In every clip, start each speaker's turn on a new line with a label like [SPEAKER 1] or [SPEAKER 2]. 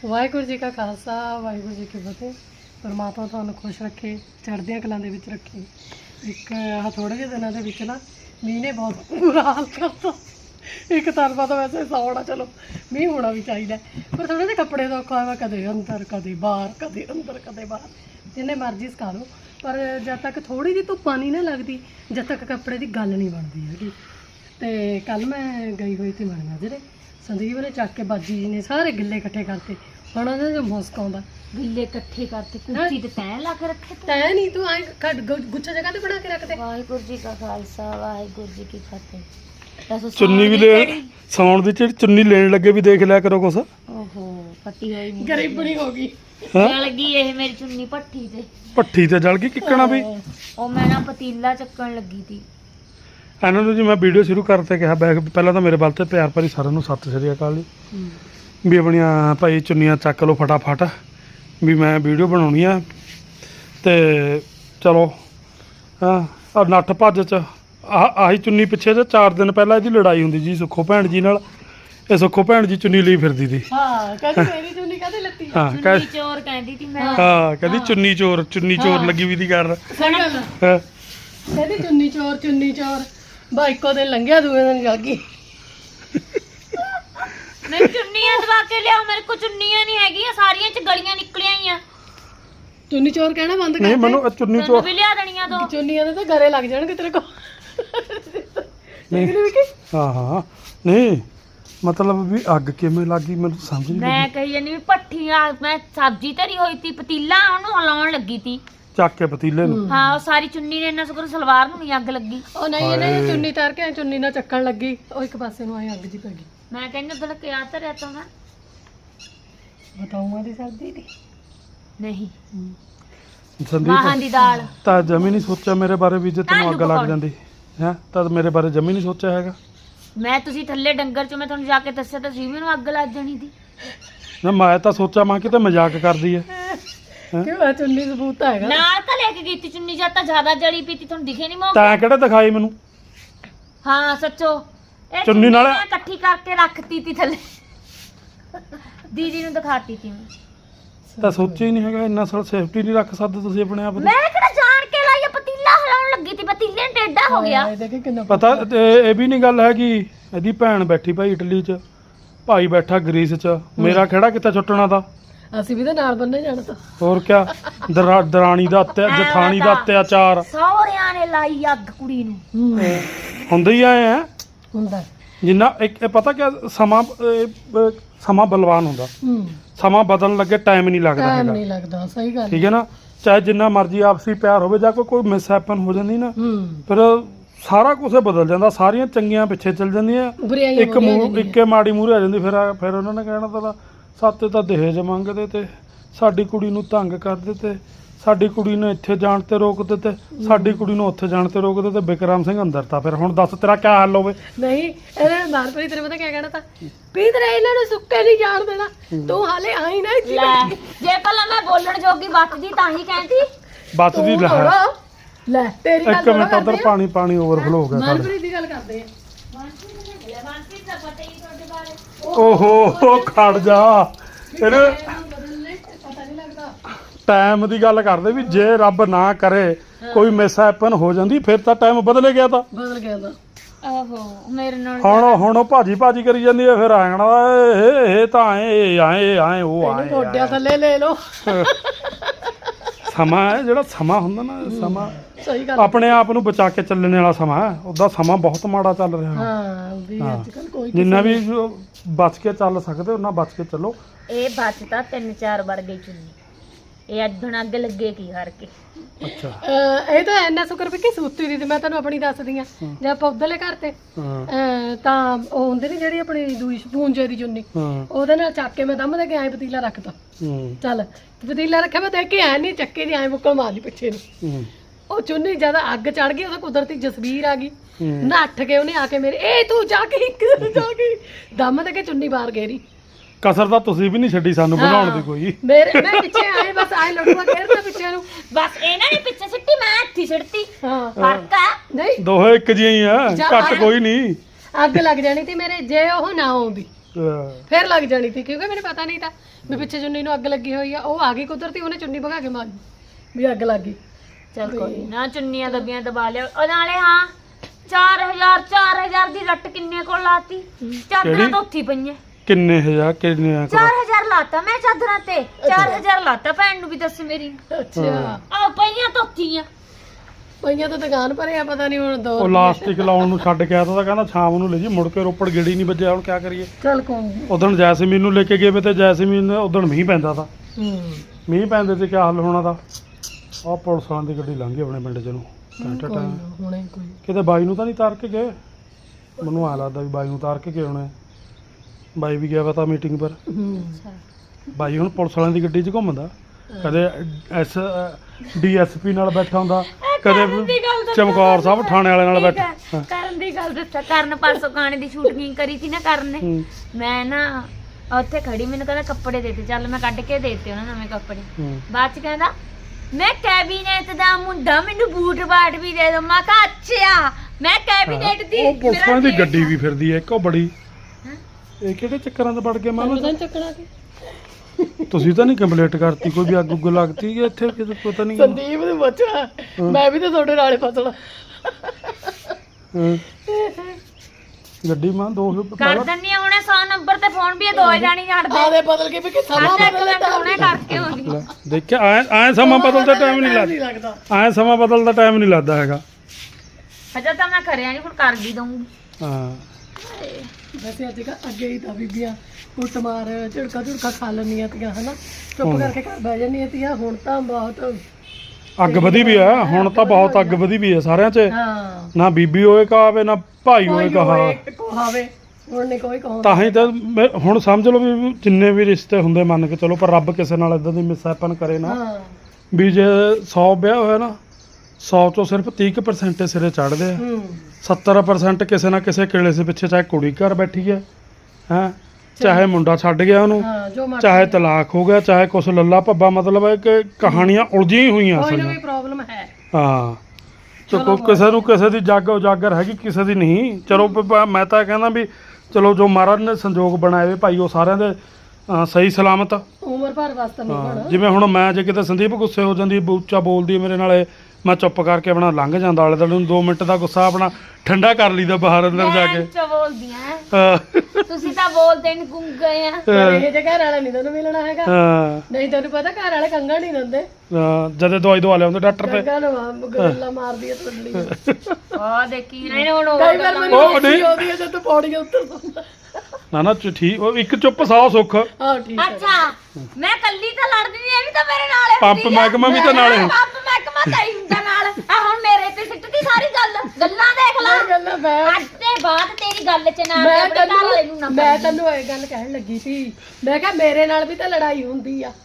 [SPEAKER 1] ਵਾਹਿਗੁਰੂ ਜੀ ਕਾ ਖਾਲਸਾ ਵਾਹਿਗੁਰੂ ਜੀ ਕੀ ਫਤਿਹ। ਪਰਮਾਤਮਾ ਤੁਹਾਨੂੰ ਖੁਸ਼ ਰੱਖੇ, ਚੜ੍ਹਦੀਆਂ ਕਲਾਂ ਦੇ ਵਿੱਚ ਰੱਖੇ। ਇੱਕ ਆਹ ਥੋੜੇ ਜਿਹੇ ਦਿਨਾਂ ਦੇ ਵਿੱਚ ਨਾ ਮੀਂਹ ਨੇ ਬਹੁਤ ਬੁਰਾ ਹਾਲ ਕਰਤਾ। ਇੱਕ ਤਰਫਾ ਤਾਂ ਵੈਸੇ ਸੌਣਾ, ਚਲੋ ਮੀਂਹ ਹੋਣਾ ਵੀ ਚਾਹੀਦਾ, ਪਰ ਥੋੜੇ ਜਿਹੇ ਕੱਪੜੇ ਦਾ ਔਖਾ ਹੋਇਆ, ਕਦੇ ਅੰਦਰ ਕਦੇ ਬਾਹਰ, ਕਦੇ ਅੰਦਰ ਕਦੇ ਬਾਹਰ, ਜਿੰਨੇ ਮਰਜ਼ੀ ਸੁਕਾ ਲਓ। ਪਰ ਜਦ ਤੱਕ ਥੋੜੀ ਜਿਹੀ ਧੁੱਪ ਨਹੀਂ ਨਾ ਲੱਗਦੀ, ਜਦ ਤੱਕ ਕੱਪੜੇ ਦੀ ਗੱਲ ਨਹੀਂ ਬਣਦੀ ਹੈਗੀ। ਤੇ ਕੱਲ ਮੈਂ ਗਈ ਹੋਈ ਸੀ ਮਣੀਆਂ ਜਿਹੜੇ ਸੰਦੀਪ ਨੇ ਚੱਕ ਕੇ ਬਾਜੀ ਜੀ ਨੇ ਸਾਰੇ ਗਿੱਲੇ ਇਕੱਠੇ ਕਰਤੇ। ਹੁਣ ਉਹਦਾ ਜੋ ਮੁਸਕ ਆਉਂਦਾ,
[SPEAKER 2] ਗਿੱਲੇ ਇਕੱਠੇ ਕਰਤੇ ਕੁੱਤੀ ਤੇ ਤੈਂ ਲਾ ਕੇ ਰੱਖੇ ਤੂੰ।
[SPEAKER 1] ਤੈਂ ਨਹੀਂ, ਤੂੰ ਐਂ ਗੁੱਛਾ ਜਗ੍ਹਾ ਤੇ ਬਣਾ ਕੇ ਰੱਖਦੇ।
[SPEAKER 2] ਵਾਹਿਗੁਰੂ ਜੀ ਕਾ ਖਾਲਸਾ ਵਾਹਿਗੁਰੂ ਜੀ ਕੀ ਫਤਿਹ।
[SPEAKER 3] ਚੁੰਨੀ ਵੀ ਲੈ ਸੌਣ ਦੀ ਚੁੰਨੀ ਲੈਣ ਲੱਗੇ ਵੀ ਦੇਖ ਲਿਆ ਕਰੋ ਕੁਛ।
[SPEAKER 2] ਓਹੋ ਪੱਟੀ ਹੋਈ ਨਹੀਂ,
[SPEAKER 1] ਗਰੀਬਣੀ ਹੋ ਗਈ।
[SPEAKER 2] ਜਲ ਗਈ ਇਹ ਮੇਰੀ ਚੁੰਨੀ ਭੱਠੀ ਤੇ।
[SPEAKER 3] ਭੱਠੀ ਤੇ ਜਲ ਗਈ ਕਿੱਕਣਾ ਵੀ।
[SPEAKER 2] ਉਹ ਮੈਂ ਨਾ ਪਤੀਲਾ ਚੱਕਣ ਲੱਗੀ ਸੀ।
[SPEAKER 3] ਇਹਨਾਂ ਨੂੰ ਜੀ ਮੈਂ ਵੀਡੀਓ ਸ਼ੁਰੂ ਕਰਨ ਤੇ ਕਿਹਾ ਬੈਗ ਪਹਿਲਾਂ ਤਾਂ ਮੇਰੇ ਵੱਲ ਤੇ ਪਿਆਰ ਭਰੀ ਸਾਰਿਆਂ ਨੂੰ ਸਤਿ ਸ਼੍ਰੀ ਅਕਾਲ ਜੀ। ਵੀ ਆਪਣੀਆਂ ਭਾਈ ਚੁੰਨੀਆਂ ਚੱਕ ਲਓ ਫਟਾਫਟ, ਵੀ ਮੈਂ ਵੀਡੀਓ ਬਣਾਉਣੀ ਆ। ਤੇ ਚਲੋ ਹਾਂ ਨੱਠ ਭੱਜ ਚ ਆਹੀ ਚੁੰਨੀ ਪਿੱਛੇ ਜੇ 4 ਦਿਨ ਪਹਿਲਾਂ ਇਹਦੀ ਲੜਾਈ ਹੁੰਦੀ ਜੀ ਸੁੱਖੋ ਭੈਣ ਜੀ ਨਾਲ। ਇਹ ਸੁੱਖੋ ਭੈਣ ਜੀ ਚੁੰਨੀ ਲਈ ਫਿਰਦੀ ਸੀ।
[SPEAKER 1] ਹਾਂ ਕਹਿੰਦੀ ਮੇਰੀ ਚੁੰਨੀ ਕਾਹਦੇ ਲੱਤੀ।
[SPEAKER 3] ਹਾਂ
[SPEAKER 2] ਚੁੰਨੀ ਚੋਰ ਕਹਿੰਦੀ ਸੀ ਮੈਂ।
[SPEAKER 3] ਹਾਂ ਕਹਿੰਦੀ ਚੁੰਨੀ ਚੋਰ ਲੱਗੀ ਵੀ ਦੀ ਕਰ।
[SPEAKER 1] ਸਹੀ ਗੱਲ ਆ। ਕਹਿੰਦੀ ਚੁੰਨੀ ਚੋਰ ਬਾ ਇੱਕੋ ਦਿਨ ਲੰਘਿਆ, ਦੂਏ ਦਿਨ ਜਾ ਗਈ।
[SPEAKER 2] ਮੈਂ ਚੁੰਨੀਆਂ ਦਵਾ ਕੇ ਲਿਆਓ, ਮੇਰੇ ਕੋਲ ਚੁੰਨੀਆਂ ਨਹੀਂ ਹੈਗੀਆਂ, ਸਾਰੀਆਂ ਚ ਗਲੀਆਂ ਨਿਕਲੀਆਂ ਹੀ ਆ।
[SPEAKER 1] ਚੁੰਨੀ ਚੋਰ ਕਹਿਣਾ ਬੰਦ ਕਰ
[SPEAKER 3] ਨਹੀਂ
[SPEAKER 1] ਦੇ।
[SPEAKER 3] ਮੈਨੂੰ ਇਹ ਚੁੰਨੀ
[SPEAKER 2] ਤੈਨੂੰ
[SPEAKER 3] ਚੋਰ
[SPEAKER 2] ਵੀ ਲਿਆ ਦੇਣੀਆਂ ਦੋ।
[SPEAKER 1] ਚੁੰਨੀਆਂ ਦੇ ਤਾਂ ਗਰੇ ਲੱਗ ਜਾਣਗੇ ਤੇਰੇ ਕੋਲ।
[SPEAKER 3] ਨਹੀਂ
[SPEAKER 1] ਦੇਖ ਲਈ ਕਿ
[SPEAKER 3] ਹਾਂ ਨਹੀਂ ਮਤਲਬ ਵੀ ਅੱਗ ਕਿਵੇਂ ਲੱਗੀ ਮੈਨੂੰ ਸਮਝ ਨਹੀਂ
[SPEAKER 2] ਮੈਂ
[SPEAKER 3] ਲੱਗੀ।
[SPEAKER 2] ਕਹੀ ਜਾਨੀ ਵੀ ਭੱਠੀਆਂ, ਮੈਂ ਸਬਜ਼ੀ ਧਰੀ ਹੋਈ ਸੀ, ਪਤੀਲਾ ਉਹਨੂੰ ਹਿਲਾਉਣ ਲੱਗੀ ਸੀ।
[SPEAKER 3] ਚੱਕ ਕੇ ਪਤੀਲੇ ਨੂੰ।
[SPEAKER 2] ਹਾਂ ਉਹ ਸਾਰੀ ਚੁੰਨੀ ਨੇ ਇੰਨਾ ਸ਼ੁਕਰ ਸਲਵਾਰ ਨੂੰ ਨਹੀਂ ਅੱਗ ਲੱਗੀ।
[SPEAKER 1] ਉਹ ਨਹੀਂ ਇਹਨੇ ਚੁੰਨੀ ਤਾਰ ਕੇ ਚੁੰਨੀ ਨਾਲ ਚੱਕਣ ਲੱਗੀ, ਉਹ ਇੱਕ ਪਾਸੇ ਨੂੰ ਆਏ ਅੱਗ ਜੀ ਪੈ ਗਈ।
[SPEAKER 2] ਮੈਂ ਕਹਿੰਦੀ ਉਧਰ ਕਿਆ ਧਰਿਆ ਤਾ ਮੈਂ।
[SPEAKER 1] ਬਤਾਊਆਂ ਦੀ ਸਰਦੀ ਦੀ
[SPEAKER 2] ਨਹੀਂ
[SPEAKER 3] ਸੰਦੀਪ
[SPEAKER 2] ਮਾਹਾਂ ਦੀ ਦਾਲ।
[SPEAKER 3] ਤਾਂ ਜਮੀ ਨਹੀਂ ਸੋਚਿਆ ਮੇਰੇ ਬਾਰੇ ਵੀ ਜੇ ਤੈਨੂੰ ਅੱਗ
[SPEAKER 2] ਆਲੂ
[SPEAKER 3] ਲੱਗ
[SPEAKER 2] ਪਕੌੜੇ।
[SPEAKER 3] ਜਾਂਦੀ ਹੈ ਤਾਂ ਮੇਰੇ ਬਾਰੇ ਜਮੀ ਨਹੀਂ ਸੋਚਿਆ ਹੈਗਾ।
[SPEAKER 2] ਮੈਂ ਤੁਸੀਂ ਥੱਲੇ ਡੰਗਰ ਚ ਮੈਂ ਤੁਹਾਨੂੰ ਜਾ ਕੇ ਦੱਸਿਆ ਤਾਂ ਸੀ ਮੈਨੂੰ ਅੱਗ ਲੱਗ ਜਾਣੀ ਸੀ।
[SPEAKER 3] ਨਾ ਮੈਂ ਤਾਂ ਸੋਚਿਆ ਮਾਂ ਕਿਤੇ ਮਜ਼ਾਕ ਕਰਦੀ ਹੈ।
[SPEAKER 1] ਕਿਉਂ ਆ ਚੁੰਨੀ ਸਬੂਤ ਤਾਂ ਹੈਗਾ।
[SPEAKER 2] ਨਾਲ ਤਾਂ ਲੈ ਕੇ ਗਈ ਤੀ ਚੁੰਨੀ, ਜਾਂ ਤਾਂ ਜ਼ਿਆਦਾ ਜਲੀ ਪੀਤੀ ਤੁਹਾਨੂੰ ਦਿਖੇ ਨਹੀਂ ਮੌਕੇ।
[SPEAKER 3] ਤਾਂ ਕਿਹੜੇ ਦਿਖਾਈ ਮੈਨੂੰ
[SPEAKER 2] ਹਾਂ ਸੱਚੋ ਇਹ
[SPEAKER 3] ਚੁੰਨੀ ਨਾਲ-
[SPEAKER 2] ਮੈਂ ਇਕੱਠੀ ਕਰਕੇ ਰੱਖਤੀ ਤੀ ਥੱਲੇ, ਦੀਦੀ ਨੂੰ ਦਿਖਾਤੀ ਤੀ ਮੈਂ।
[SPEAKER 3] ਤਾਂ ਸੋਚਿਆ ਹੀ ਨਹੀਂ ਹੈਗਾ ਇੰਨਾ ਸਾਲ ਸੇਫਟੀ ਨਹੀਂ ਰੱਖ ਸਕਦੇ ਤੁਸੀਂ ਆਪਣੇ ਆਪ ਦੀ।
[SPEAKER 2] ਮੈਂ ਕਿਹੜਾ ਜਾਣ ਕੇ ਲਾਈ ਆ, ਪਤੀਲਾ ਹਿਲਾਉਣ ਲੱਗੀ ਤੀ, ਪਤੀਲੇ ਨੂੰ ਟੇਢਾ ਹੋ ਗਿਆ।
[SPEAKER 1] ਇਹ ਦੇਖੇ ਕਿੰਨਾ
[SPEAKER 3] ਪਤਾ ਤੇ ਇਹ ਵੀ ਨਹੀਂ ਗੱਲ ਹੈਗੀ। ਇਹਦੀ ਭੈਣ ਬੈਠੀ ਭਾਈ ਇਟਲੀ 'ਚ, ਭਾਈ ਬੈਠਾ ਗ੍ਰੀਸ 'ਚ, ਮੇਰਾ ਖੇੜਾ ਕਿੱਥੇ ਛੁੱਟਣਾ ਤਾਂ।
[SPEAKER 1] ਅਸੀਂ ਵੀ ਤਾਂ ਨਾਲ ਬੰਨੇ ਜਾਣਾ ਤਾਂ।
[SPEAKER 3] ਹੋਰ ਕਿਆ ਦਰਾਣੀ ਦਾ ਜਠਾਣੀ ਦਾ ਅਤਿਆਚਾਰ
[SPEAKER 2] ਸਹੁਰਿਆਂ ਨੇ ਲਾਈ ਅੱਗ ਕੁੜੀ ਨੂੰ।
[SPEAKER 3] ਹੁੰਦੇ ਹੀ ਆਏ ਆ।
[SPEAKER 1] ਹੁੰਦਾ
[SPEAKER 3] ਜਿੰਨਾ ਇੱਕ ਇਹ ਪਤਾ ਕਿਆ ਸਮਾਂ ਬਲਵਾਨ ਹੁੰਦਾ। ਸਮਾਂ ਬਦਲਣ ਲੱਗੇ ਟਾਈਮ ਨਹੀਂ ਲੱਗਦਾ
[SPEAKER 1] ਟਾਈਮ
[SPEAKER 3] ਹੈਗਾ।
[SPEAKER 1] ਨਹੀਂ ਲੱਗਦਾ, ਸਹੀ ਗੱਲ।
[SPEAKER 3] ਠੀਕ ਹੈ ਨਾ, ਚਾਹੇ ਜਿੰਨਾ ਮਰਜ਼ੀ ਆਪਸੀ ਪਿਆਰ ਹੋਵੇ ਜਾਂ ਕੋਈ ਮਿਸ ਹੈਪਨ ਹੋ ਜਾਂਦੀ ਨਾ, ਫਿਰ ਸਾਰਾ ਕੁਝ ਬਦਲ ਜਾਂਦਾ। ਸਾਰੀਆਂ ਚੰਗੀਆਂ ਪਿੱਛੇ ਚੱਲ ਜਾਂਦੀਆਂ,
[SPEAKER 1] ਬੁਰਾਈਆਂ
[SPEAKER 3] ਇੱਕੇ ਮਾੜੀ ਮੂਹਰੇ ਆ ਜਾਂਦੀ। ਫਿਰ ਉਹਨਾਂ ਨੇ ਕਹਿਣਾ ਤਾਂ ਸੱਤ ਤਾਂ ਦਹੇਜ ਮੰਗਦੇ ਤੇ ਸਾਡੀ ਕੁੜੀ ਨੂੰ ਤੰਗ ਕਰਦੇ ਤੇ ਸਾਡੀ ਕੁੜੀ ਨੂੰ ਇੱਥੇ ਜਾਣ ਤੇ ਰੋਕਦੇ ਤੇ ਸਾਡੀ ਕੁੜੀ ਨੂੰ ਉੱਥੇ ਜਾਣ ਤੇ ਰੋਕਦੇ ਤੇ ਬਿਕਰਮ ਸਿੰਘ ਅੰਦਰ ਤਾਂ। ਫਿਰ ਹੁਣ ਦੱਸ ਤੇਰਾ ਕਿਆ ਹੱਲ ਹੋਵੇ।
[SPEAKER 1] ਨਹੀਂ ਇਹਨੇ ਮਾਰਪਰੀ ਤੇਰੇ ਪਤਾ ਕਿਆ ਕਹਿਣਾ ਤਾਂ, ਵੀ ਤੇਰੇ ਇਹਨਾਂ ਨੂੰ ਸੁੱਕੇ ਨਹੀਂ ਜਾਣ ਦੇਣਾ, ਤੂੰ ਹਾਲੇ ਆਈ ਨਾ ਇੱਥੇ
[SPEAKER 2] ਲੈ ਜੇ ਪਹਿਲਾਂ ਮੈਂ ਬੋਲਣ ਜੋਗੀ ਬਚਦੀ ਤਾਂ ਹੀ ਕਹਿੰਦੀ।
[SPEAKER 3] ਬਸ ਦੀ ਲੈ
[SPEAKER 1] ਲੈ ਤੇਰੀ ਗੱਲ
[SPEAKER 3] ਇੱਕ ਮਿੰਟ ਉਧਰ ਪਾਣੀ ਓਵਰਫਲੋ ਹੋ ਗਿਆ ਸਾਡੇ।
[SPEAKER 1] ਮਾਰਪਰੀ ਦੀ ਗੱਲ ਕਰਦੇ ਆ।
[SPEAKER 2] ਮਨਪ੍ਰੀਤ ਦਾ ਪਤਾ ਹੀ ਤੁਹਾਡੇ ਬਾਰੇ।
[SPEAKER 3] ਓਹੋ ਖੜ ਜਾ, ਇਹਨੇ
[SPEAKER 1] ਬਦਲਨੇ ਪਤਾ ਨਹੀਂ ਲੱਗਦਾ।
[SPEAKER 3] ਟਾਈਮ ਦੀ ਗੱਲ ਕਰਦੇ ਵੀ ਜੇ ਰੱਬ ਨਾ ਕਰੇ ਕੋਈ ਮਿਸ ਹੈਪਨ ਹੋ ਜਾਂਦੀ ਫਿਰ ਤਾਂ ਟਾਈਮ ਬਦਲੇ ਗਿਆ ਤਾਂ।
[SPEAKER 1] ਬਦਲ ਗਿਆ ਤਾਂ
[SPEAKER 2] ਆਹੋ ਮੇਰੇ ਨਾਲ
[SPEAKER 3] ਹੁਣ ਉਹ ਭਾਜੀ ਕਰੀ ਜਾਂਦੀ ਹੈ। ਫਿਰ ਆਇਣਾ ਇਹ ਤਾਂ ਆਏ ਉਹ ਆਏ
[SPEAKER 1] ਗੋਡਿਆਂ ਥੱਲੇ ਲੈ ਲਓ।
[SPEAKER 3] ਸਮਾਂ ਹੈ ਜਿਹੜਾ ਸਮਾਂ ਹੁੰਦਾ ਨਾ, ਸਮਾਂ
[SPEAKER 1] ਸਹੀ ਗੱਲ।
[SPEAKER 3] ਆਪਣੇ ਆਪ ਨੂੰ ਬਚਾ ਕੇ ਚੱਲਣ ਵਾਲਾ ਸਮਾਂ ਹੈ। ਉਹਦਾ ਸਮਾਂ ਬਹੁਤ ਮਾੜਾ ਚੱਲ ਰਿਹਾ।
[SPEAKER 1] ਹਾਂ ਵੀ ਅੱਜ ਕੱਲ ਕੋਈ
[SPEAKER 3] ਜਿੰਨਾ ਵੀ ਬਚ ਕੇ ਚੱਲ ਸਕਦੇ ਉਹਨਾਂ ਬਚ ਕੇ ਚੱਲੋ।
[SPEAKER 2] ਇਹ ਬਚਤਾ 3-4 ਵਾਰ ਗਈ ਚੁੰਨੀ, ਇਹ ਅੱਧਣ ਅੱਗ ਲੱਗੇ ਕੀ ਹਾਰ ਕੇ।
[SPEAKER 3] ਅੱਛਾ
[SPEAKER 1] ਇਹ ਤਾਂ ਇੰਨਾ ਸ਼ੁਕਰ ਵੀ ਕਿ ਸੂਤੀ ਦੀ ਤੇ ਮੈਂ ਤੁਹਾਨੂੰ ਆਪਣੀ ਦੱਸਦੀ ਆ। ਜੇ ਆਪਾਂ ਉਧਰਲੇ ਘਰ ਤੇ ਤਾਂ ਉਹ ਹੁੰਦੇ ਨੇ ਜਿਹੜੀ ਆਪਣੀ ਦੂਈ ਪੂੰਜੇ ਦੀ ਚੁੰਨੀ, ਉਹਦੇ ਨਾਲ ਚੱਕ ਕੇ ਮੈਂ ਦਮ ਦੇ ਕੇ ਐ ਪਤੀਲਾ ਰੱਖਤਾ। ਚੱਲ ਪਤੀਲਾ ਰੱਖਿਆ, ਮੈਂ ਦੇਖ ਕੇ ਐ ਨਹੀਂ ਚੱਕੇ ਦੀ ਐ ਮੁੱਕਲ ਮਾਰ ਲਈ ਪਿੱਛੇ ਨੂੰ। ਉਹ ਚੁੰਨੀ ਜਿਆਦਾ ਅੱਗ ਚੜ ਗਈ, ਉਹਦਾ ਕੁਦਰਤੀ ਜਸਵੀਰ ਆ ਗਈ। ਨੱਠ ਕੇ ਉਹਨੇ ਆ ਕੇ ਮੇਰੇ ਇਹ ਤੂੰ ਜਾ ਕੇ ਦਮ ਦੇ ਕੇ ਚੁੰਨੀ ਬਾਹਰ ਗੇਰੀ।
[SPEAKER 3] ਕਸਰ ਤਾਂ ਤੁਸੀਂ ਵੀ ਨਹੀਂ ਛੱਡੀ ਸਾਨੂੰ ਬਣਾਉਣ ਦੀ ਕੋਈ।
[SPEAKER 1] ਮੈਂ ਪਿੱਛੇ ਆਏ ਬਸ ਆਏ ਲੜੂਆ ਘੇਰਦਾ ਪਿੱਛੇ ਨੂੰ।
[SPEAKER 2] ਬਸ ਇਹਨਾਂ ਨੇ ਪਿੱਛੇ ਸਿੱਟੀ, ਮੈਂ ਇੱਥੇ ਸਿੱਟਤੀ।
[SPEAKER 1] ਹਾਂ
[SPEAKER 2] ਫਰਕ ਆ
[SPEAKER 1] ਨਹੀਂ
[SPEAKER 3] ਦੋਹੇ ਇੱਕ ਜਿਹੀਆਂ ਹੀ ਆ, ਘੱਟ ਕੋਈ ਨਹੀਂ।
[SPEAKER 1] ਅੱਗ ਲੱਗ ਜਾਣੀ ਤੇ ਮੇਰੇ ਜੇ ਉਹ ਨਾ ਆਉਂਦੀ ਫਿਰ ਲੱਗ ਜਾਣੀ ਸੀ ਕਿਉਂਕਿ ਮੈਨੂੰ ਪਤਾ ਨਹੀਂ ਤਾਂ ਵੀ ਪਿੱਛੇ ਚੁੰਨੀ ਨੂੰ ਅੱਗ ਲੱਗੀ ਹੋਈ ਆ। ਉਹ ਆ ਗਈ ਕੁਦਰਤੀ, ਉਹਨੇ ਚੁੰਨੀ ਭਗਾ ਕੇ ਮਾਰੀ ਵੀ ਅੱਗ ਲੱਗ ਗਈ।
[SPEAKER 2] ਚਲ ਕੋਈ ਨਾ, ਚੁੰਨੀਆਂ ਦੱਬੀਆਂ ਦਬਾ ਲਿਆ। ਉਹ ਨਾਲੇ ਹਾਂ 4000 ਦੀ ਰੱਟ ਕਿੰਨੇ ਕੋਲ ਲਾਤੀ? ਚਾਦਰਾਂ ਤਾਂ ਉੱਥੀ ਪਈਆਂ।
[SPEAKER 3] ਕਿੰਨੇ ਹਜ਼ਾਰ
[SPEAKER 2] 4000 ਲਾਤਾ ਮੈਂ ਚਾਦਰਾਂ ਤੇ। 4000 ਲਾਤਾ ਭੈਣ ਨੂੰ ਵੀ ਦੱਸ ਮੇਰੀ।
[SPEAKER 1] ਅੱਛਾ
[SPEAKER 2] ਆ ਪਈਆਂ ਤਾਂ ਉੱਥੀ ਆ।
[SPEAKER 1] ਪਈਆਂ ਤਾਂ ਦੁਕਾਨ ਭਰੇ ਆ, ਪਤਾ ਨਹੀਂ ਹੁਣ ਦੋ
[SPEAKER 3] ਉਹ ਲਾਸਟਿਕ ਲਾਉਣ ਨੂੰ ਛੱਡ ਕੇ ਆਇਆ ਤਾਂ ਕਹਿੰਦਾ ਸ਼ਾਮ ਨੂੰ ਲੈ ਜੀ, ਮੁੜ ਕੇ ਰੋਪੜ ਗੇੜੀ ਨਹੀਂ ਵੱਜਿਆ। ਹੁਣ ਕੀ ਕਰੀਏ?
[SPEAKER 1] ਚੱਲ ਕੋਈ
[SPEAKER 3] ਉਦਣ ਜੈਸਮੀਨ ਨੂੰ ਲੈ ਕੇ ਗਏ ਵੇ ਤੇ ਜੈਸਮੀਨ ਉਦਣ ਮੀਂਹ ਪੈਂਦਾ ਤਾ। ਮੀਂਹ ਪੈਂਦੇ ਤੇ ਕੀ ਹੱਲ ਹੋਣਾ ਦਾ? ਆਹ ਪੁਲਿਸ ਵਾਲਿਆਂ ਦੀ ਗੱਡੀ ਲੰਘ ਗਈ ਆਪਣੇ ਪਿੰਡ ਚ ਨੂੰ।
[SPEAKER 1] ਹੁਣੇ ਕੋਈ
[SPEAKER 3] ਕਿਤੇ ਬਾਈ ਨੂੰ ਤਾਂ ਨਹੀਂ ਤਾਰ ਕੇ ਗਏ? ਮੈਨੂੰ ਆ ਲੱਗਦਾ ਵੀ ਬਾਈ ਨੂੰ ਤਾਰ ਕੇ ਗਏ ਹੋਣੇ। ਬਾਈ ਵੀ ਗਿਆ ਵਾ ਤਾਂ ਮੀਟਿੰਗ ਪਰ। ਬਾਈ ਹੁਣ ਪੁਲਿਸ ਵਾਲਿਆਂ ਦੀ ਗੱਡੀ 'ਚ ਘੁੰਮਦਾ, ਕਦੇ ਡੀਐਸਪੀ ਨਾਲ ਬੈਠਾ ਹੁੰਦਾ, ਕਦੇ ਚਮਕੌਰ ਸਾਹਿਬ ਥਾਣੇ ਵਾਲੇ ਨਾਲ ਬੈਠਾ।
[SPEAKER 2] ਕਰਨ ਦੀ ਗੱਲ ਦੱਸਾਂ, ਕਰਨ ਪਰਸੋਂ ਗਾਣੇ ਦੀ ਸ਼ੂਟਿੰਗ ਕਰੀ ਸੀ ਨਾ ਕਰਨ ਨੇ। ਮੈਂ ਨਾ ਉੱਥੇ ਖੜੀ, ਮੈਨੂੰ ਕਹਿੰਦਾ ਕੱਪੜੇ ਦੇ ਦੇ। ਚੱਲ ਮੈਂ ਕੱਢ ਕੇ ਦੇਤੇ ਉਹਨਾਂ ਨਵੇਂ ਕੱਪੜੇ। ਬਾਅਦ ਚ ਕਹਿੰਦਾ ਮੈਂ ਕੈਬਨਿਟ ਦਾ ਮੁੰਡਾ, ਮੈਨੂੰ ਬੂਟ ਬਾਟ ਵੀ ਦੇ ਦੋ। ਮੈਂ ਕਿਹਾ ਅੱਛਾ, ਮੈਂ ਕੈਬਨਿਟ ਦੀ।
[SPEAKER 3] ਉਹ ਪੁਲਿਸ ਵਾਲਿਆਂ ਦੀ ਗੱਡੀ ਵੀ ਫਿਰਦੀ ਹੈ ਇੱਕ, ਉਹ ਬੜੀ। ਇਹ ਕਿਹੜੇ ਚੱਕਰਾਂ 'ਚ ਵੜ ਗਏ? ਮੈਨੂੰ
[SPEAKER 1] ਚੱਕਣਾ ਕਿ
[SPEAKER 3] ਤੁਸੀਂ ਤਾਂ ਨਹੀਂ ਕੰਪਲੀਟ ਕਰਤੀ? ਕੋਈ ਵੀ ਅੱਗ ਉੱਗ ਲੱਗਦੀ ਹੈ ਇੱਥੇ? ਕਿਤੇ ਪਤਾ ਨਹੀਂ।
[SPEAKER 1] ਸੰਦੀਪ ਨੂੰ ਪੁੱਛਿਆ, ਮੈਂ ਵੀ ਤਾਂ ਤੁਹਾਡੇ ਨਾਲੇ ਫਸਣਾ।
[SPEAKER 3] ਗੱਡੀ ਮਾਂ ਦੋ
[SPEAKER 2] ਕਰ ਦਿੰਨੀ ਆ ਹੁਣੇ 100 ਨੰਬਰ ਤੇ ਫੋਨ ਵੀ ਇਹ ਦੋ ਜਾਣੀ ਛੱਡਦੇ।
[SPEAKER 1] ਆਦੇ ਬਦਲ ਕੇ ਵੀ ਕਿ ਸਮਾਂ ਬਦਲਦਾ
[SPEAKER 2] ਹੁਣੇ ਕਰਕੇ ਹੋ ਗਈ।
[SPEAKER 3] ਦੇਖਿਆ ਐ ਸਮਾਂ ਬਦਲਦਾ ਟਾਈਮ ਨਹੀਂ ਲੱਗਦਾ। ਐ ਸਮਾਂ ਬਦਲਦਾ ਟਾਈਮ ਨਹੀਂ ਲੱਗਦਾ ਹੈਗਾ।
[SPEAKER 2] ਅਜਾ ਤਾਂ ਮੈਂ ਕਰਿਆ ਨਹੀਂ, ਹੁਣ ਕਰ ਵੀ ਦਊਂਗੀ।
[SPEAKER 3] ਹਾਂ
[SPEAKER 1] ਵੈਸੇ ਅੱਜ ਅੱਗੇ ਹੀ ਤਾਂ ਬੀਬੀਆਂ ਕੁੱਟ ਮਾਰ ਝੁੜਕਾ ਖਾ ਲੈਂਦੀਆਂ ਤੀਆਂ ਹਨਾ, ਚੁੱਪ ਕਰਕੇ ਘਰ ਬਹਿ ਜਾਂਦੀਆਂ ਤੀਆਂ। ਹੁਣ ਤਾਂ ਬਹੁਤ
[SPEAKER 3] ਅੱਗ ਵਧੀ ਵੀ ਆ, ਹੁਣ ਤਾਂ ਬਹੁਤ ਅੱਗ ਵਧੀ ਵੀ ਆ ਸਾਰਿਆਂ 'ਚ।
[SPEAKER 1] ਹਾਂ,
[SPEAKER 3] ਨਾ ਬੀਬੀ ਹੋਏ ਕਹਾਵੇ ਨਾ ਭਾਈ ਹੋਏ ਕਹਾਵੇ।
[SPEAKER 1] ਹੁਣ ਨਹੀਂ ਕੋਈ ਕਹੋ।
[SPEAKER 3] ਤਾਂ ਹੀ ਤਾਂ ਹੁਣ ਸਮਝ ਲਓ ਵੀ ਜਿੰਨੇ ਵੀ ਰਿਸ਼ਤੇ ਹੁੰਦੇ ਮੰਨ ਕੇ ਚਲੋ, ਪਰ ਰੱਬ ਕਿਸੇ ਨਾਲ ਇਦਾਂ ਦੀ ਮਿਸਹੈਪਨ ਕਰੇ ਨਾ ਵੀ ਜੇ 100 ਵਿਆਹ ਹੋਇਆ ਨਾ, 100 ਚੋਂ ਸਿਰਫ 30% ਸਿਰੇ ਚੜ੍ਹਦੇ ਆ। 70% ਕਿਸੇ ਨਾ ਕਿਸੇ ਕਿਲੇ ਦੇ ਪਿੱਛੇ, ਚਾਹੇ ਕੁੜੀ ਘਰ ਬੈਠੀ ਹੈ ਹੈਂ, ਚਾਹੇ ਮੁੰਡਾ ਛੱਡ ਗਿਆ ਉਹਨੂੰ, ਚਾਹੇ ਤਲਾਕ ਹੋ ਗਿਆ, ਚਾਹੇ ਕੁਛ ਲੱਲਾ ਭੱਬਾ। ਮਤਲਬ ਹੈ ਕਿ ਕਹਾਣੀਆਂ ਉਲਝੀਆਂ ਹੀ ਹੋਈਆਂ
[SPEAKER 1] ਕੋਈ ਨਾ
[SPEAKER 3] ਅਸਲ
[SPEAKER 1] ਕੋਈ ਪ੍ਰੋਬਲਮ ਹੈ।
[SPEAKER 3] ਹਾਂ, ਚਲੋ ਕਿਸੇ ਨੂੰ ਕਿਸੇ ਦੀ ਜੱਗ ਉਜਾਗਰ ਹੈਗੀ, ਕਿਸੇ ਦੀ ਨਹੀਂ। ਚਲੋ ਮੈਂ ਤਾਂ ਕਹਿੰਦਾ ਵੀ ਚਲੋ ਜੋ ਮਹਾਰਾਜ ਨੇ ਸੰਜੋਗ ਬਣਾਏ ਵੇ ਭਾਈ, ਉਹ ਸਾਰਿਆਂ ਦੇ ਸਹੀ ਸਲਾਮਤ
[SPEAKER 1] ਉਮਰ ਭਰ ਵਾਸਤੇ ਨਹੀਂ ਹੋਣਾ।
[SPEAKER 3] ਜਿਵੇਂ ਹੁਣ ਮੈਂ ਜੇ ਕਿਤੇ ਸੰਦੀਪ ਗੁੱਸੇ ਹੋ ਜਾਂਦੀ, ਉੱਚਾ ਬੋਲਦੀ ਮੇਰੇ ਨਾਲ, ਮੈਂ ਚੁੱਪ ਕਰਕੇ ਆਪਣਾ ਲੰਘ ਜਾਂਦਾ। ਆਲੇ ਦੁਆਲੇ ਨੂੰ 2 ਮਿੰਟ ਦਾ ਗੁੱਸਾ ਆਪਣਾ ਠੰਡਾ ਕਰ ਲਈਦਾ ਬਾਹਰ ਅੰਦਰ ਜਾ ਕੇ।
[SPEAKER 2] ਮੈਂ ਬੋਲਦੀਆਂ ਤੁਸੀਂ ਤਾਂ ਬੋਲਦੇ ਨਹੀਂ, ਗੁੰਗ ਗਏ ਆ।
[SPEAKER 1] ਇਹ ਜੇ ਘਰ ਵਾਲਾ ਨਹੀਂ ਤੈਨੂੰ ਮਿਲਣਾ ਹੈਗਾ। ਨਹੀਂ ਤੈਨੂੰ ਪਤਾ ਘਰ ਵਾਲੇ ਕੰਗਾ ਨਹੀਂ ਦਿੰਦੇ।
[SPEAKER 3] ਜਦੇ ਦਵਾਈ ਦਵਾ ਲਿਆਉਂਦੇ ਡਾਕਟਰ ਤੇ।
[SPEAKER 1] ਗੱਲਾਂ ਮਾਰਦੀ ਹੈ ਤੁਹਾਡੀ।
[SPEAKER 2] ਆ ਦੇਖੀ ਇਹਨੇ ਹੁਣ
[SPEAKER 1] ਕਈ ਵਾਰ ਮੈਨੂੰ ਆਉਂਦੀ ਹੈ ਜਦ ਤੂੰ ਪੌੜੀਆਂ ਉੱਤਰ ਜਾਂਦਾ।
[SPEAKER 3] ਨਾ ਠੀਕ, ਉਹ ਇੱਕ ਚੁੱਪ 100 ਸੁੱਖ।
[SPEAKER 1] ਹਾਂ ਠੀਕ ਹੈ।
[SPEAKER 2] ਅੱਛਾ, ਮੈਂ ਕੱਲੀ ਤਾਂ ਲੜਦੀ ਨਹੀਂ, ਇਹ ਵੀ ਤਾਂ ਮੇਰੇ ਨਾਲ ਹੈ।
[SPEAKER 3] ਪੰਪ ਮਹਿਕਮਾ ਵੀ ਤਾਂ ਨਾਲੇ।
[SPEAKER 2] ਪੰਪ ਮਹਿਕਮਾ ਤਾਂ ਹੀ ਹੁੰਦਾ ਨਾਲ। ਆ ਹੁਣ ਮੇਰੇ ਤੇ ਸਿੱਟਦੀ ਸਾਰੀ ਗੱਲਾਂ ਦੇਖ ਲੈ।
[SPEAKER 1] ਗੱਲਾਂ ਮੈਂ
[SPEAKER 2] ਅੱਜ ਦੇ ਬਾਅਦ ਤੇਰੀ ਗੱਲ ਚ ਨਾ
[SPEAKER 1] ਮੈਂ
[SPEAKER 2] ਆਪਣੇ ਘਰ ਵਾਲੇ ਨੂੰ ਨਾ
[SPEAKER 1] ਮੈਂ ਤੈਨੂੰ ਇਹ ਗੱਲ ਕਹਿਣ ਲੱਗੀ ਸੀ। ਮੈਂ ਕਿਹਾ ਮੇਰੇ ਨਾਲ ਵੀ ਤਾਂ ਲੜਾਈ ਹੁੰਦੀ ਆ।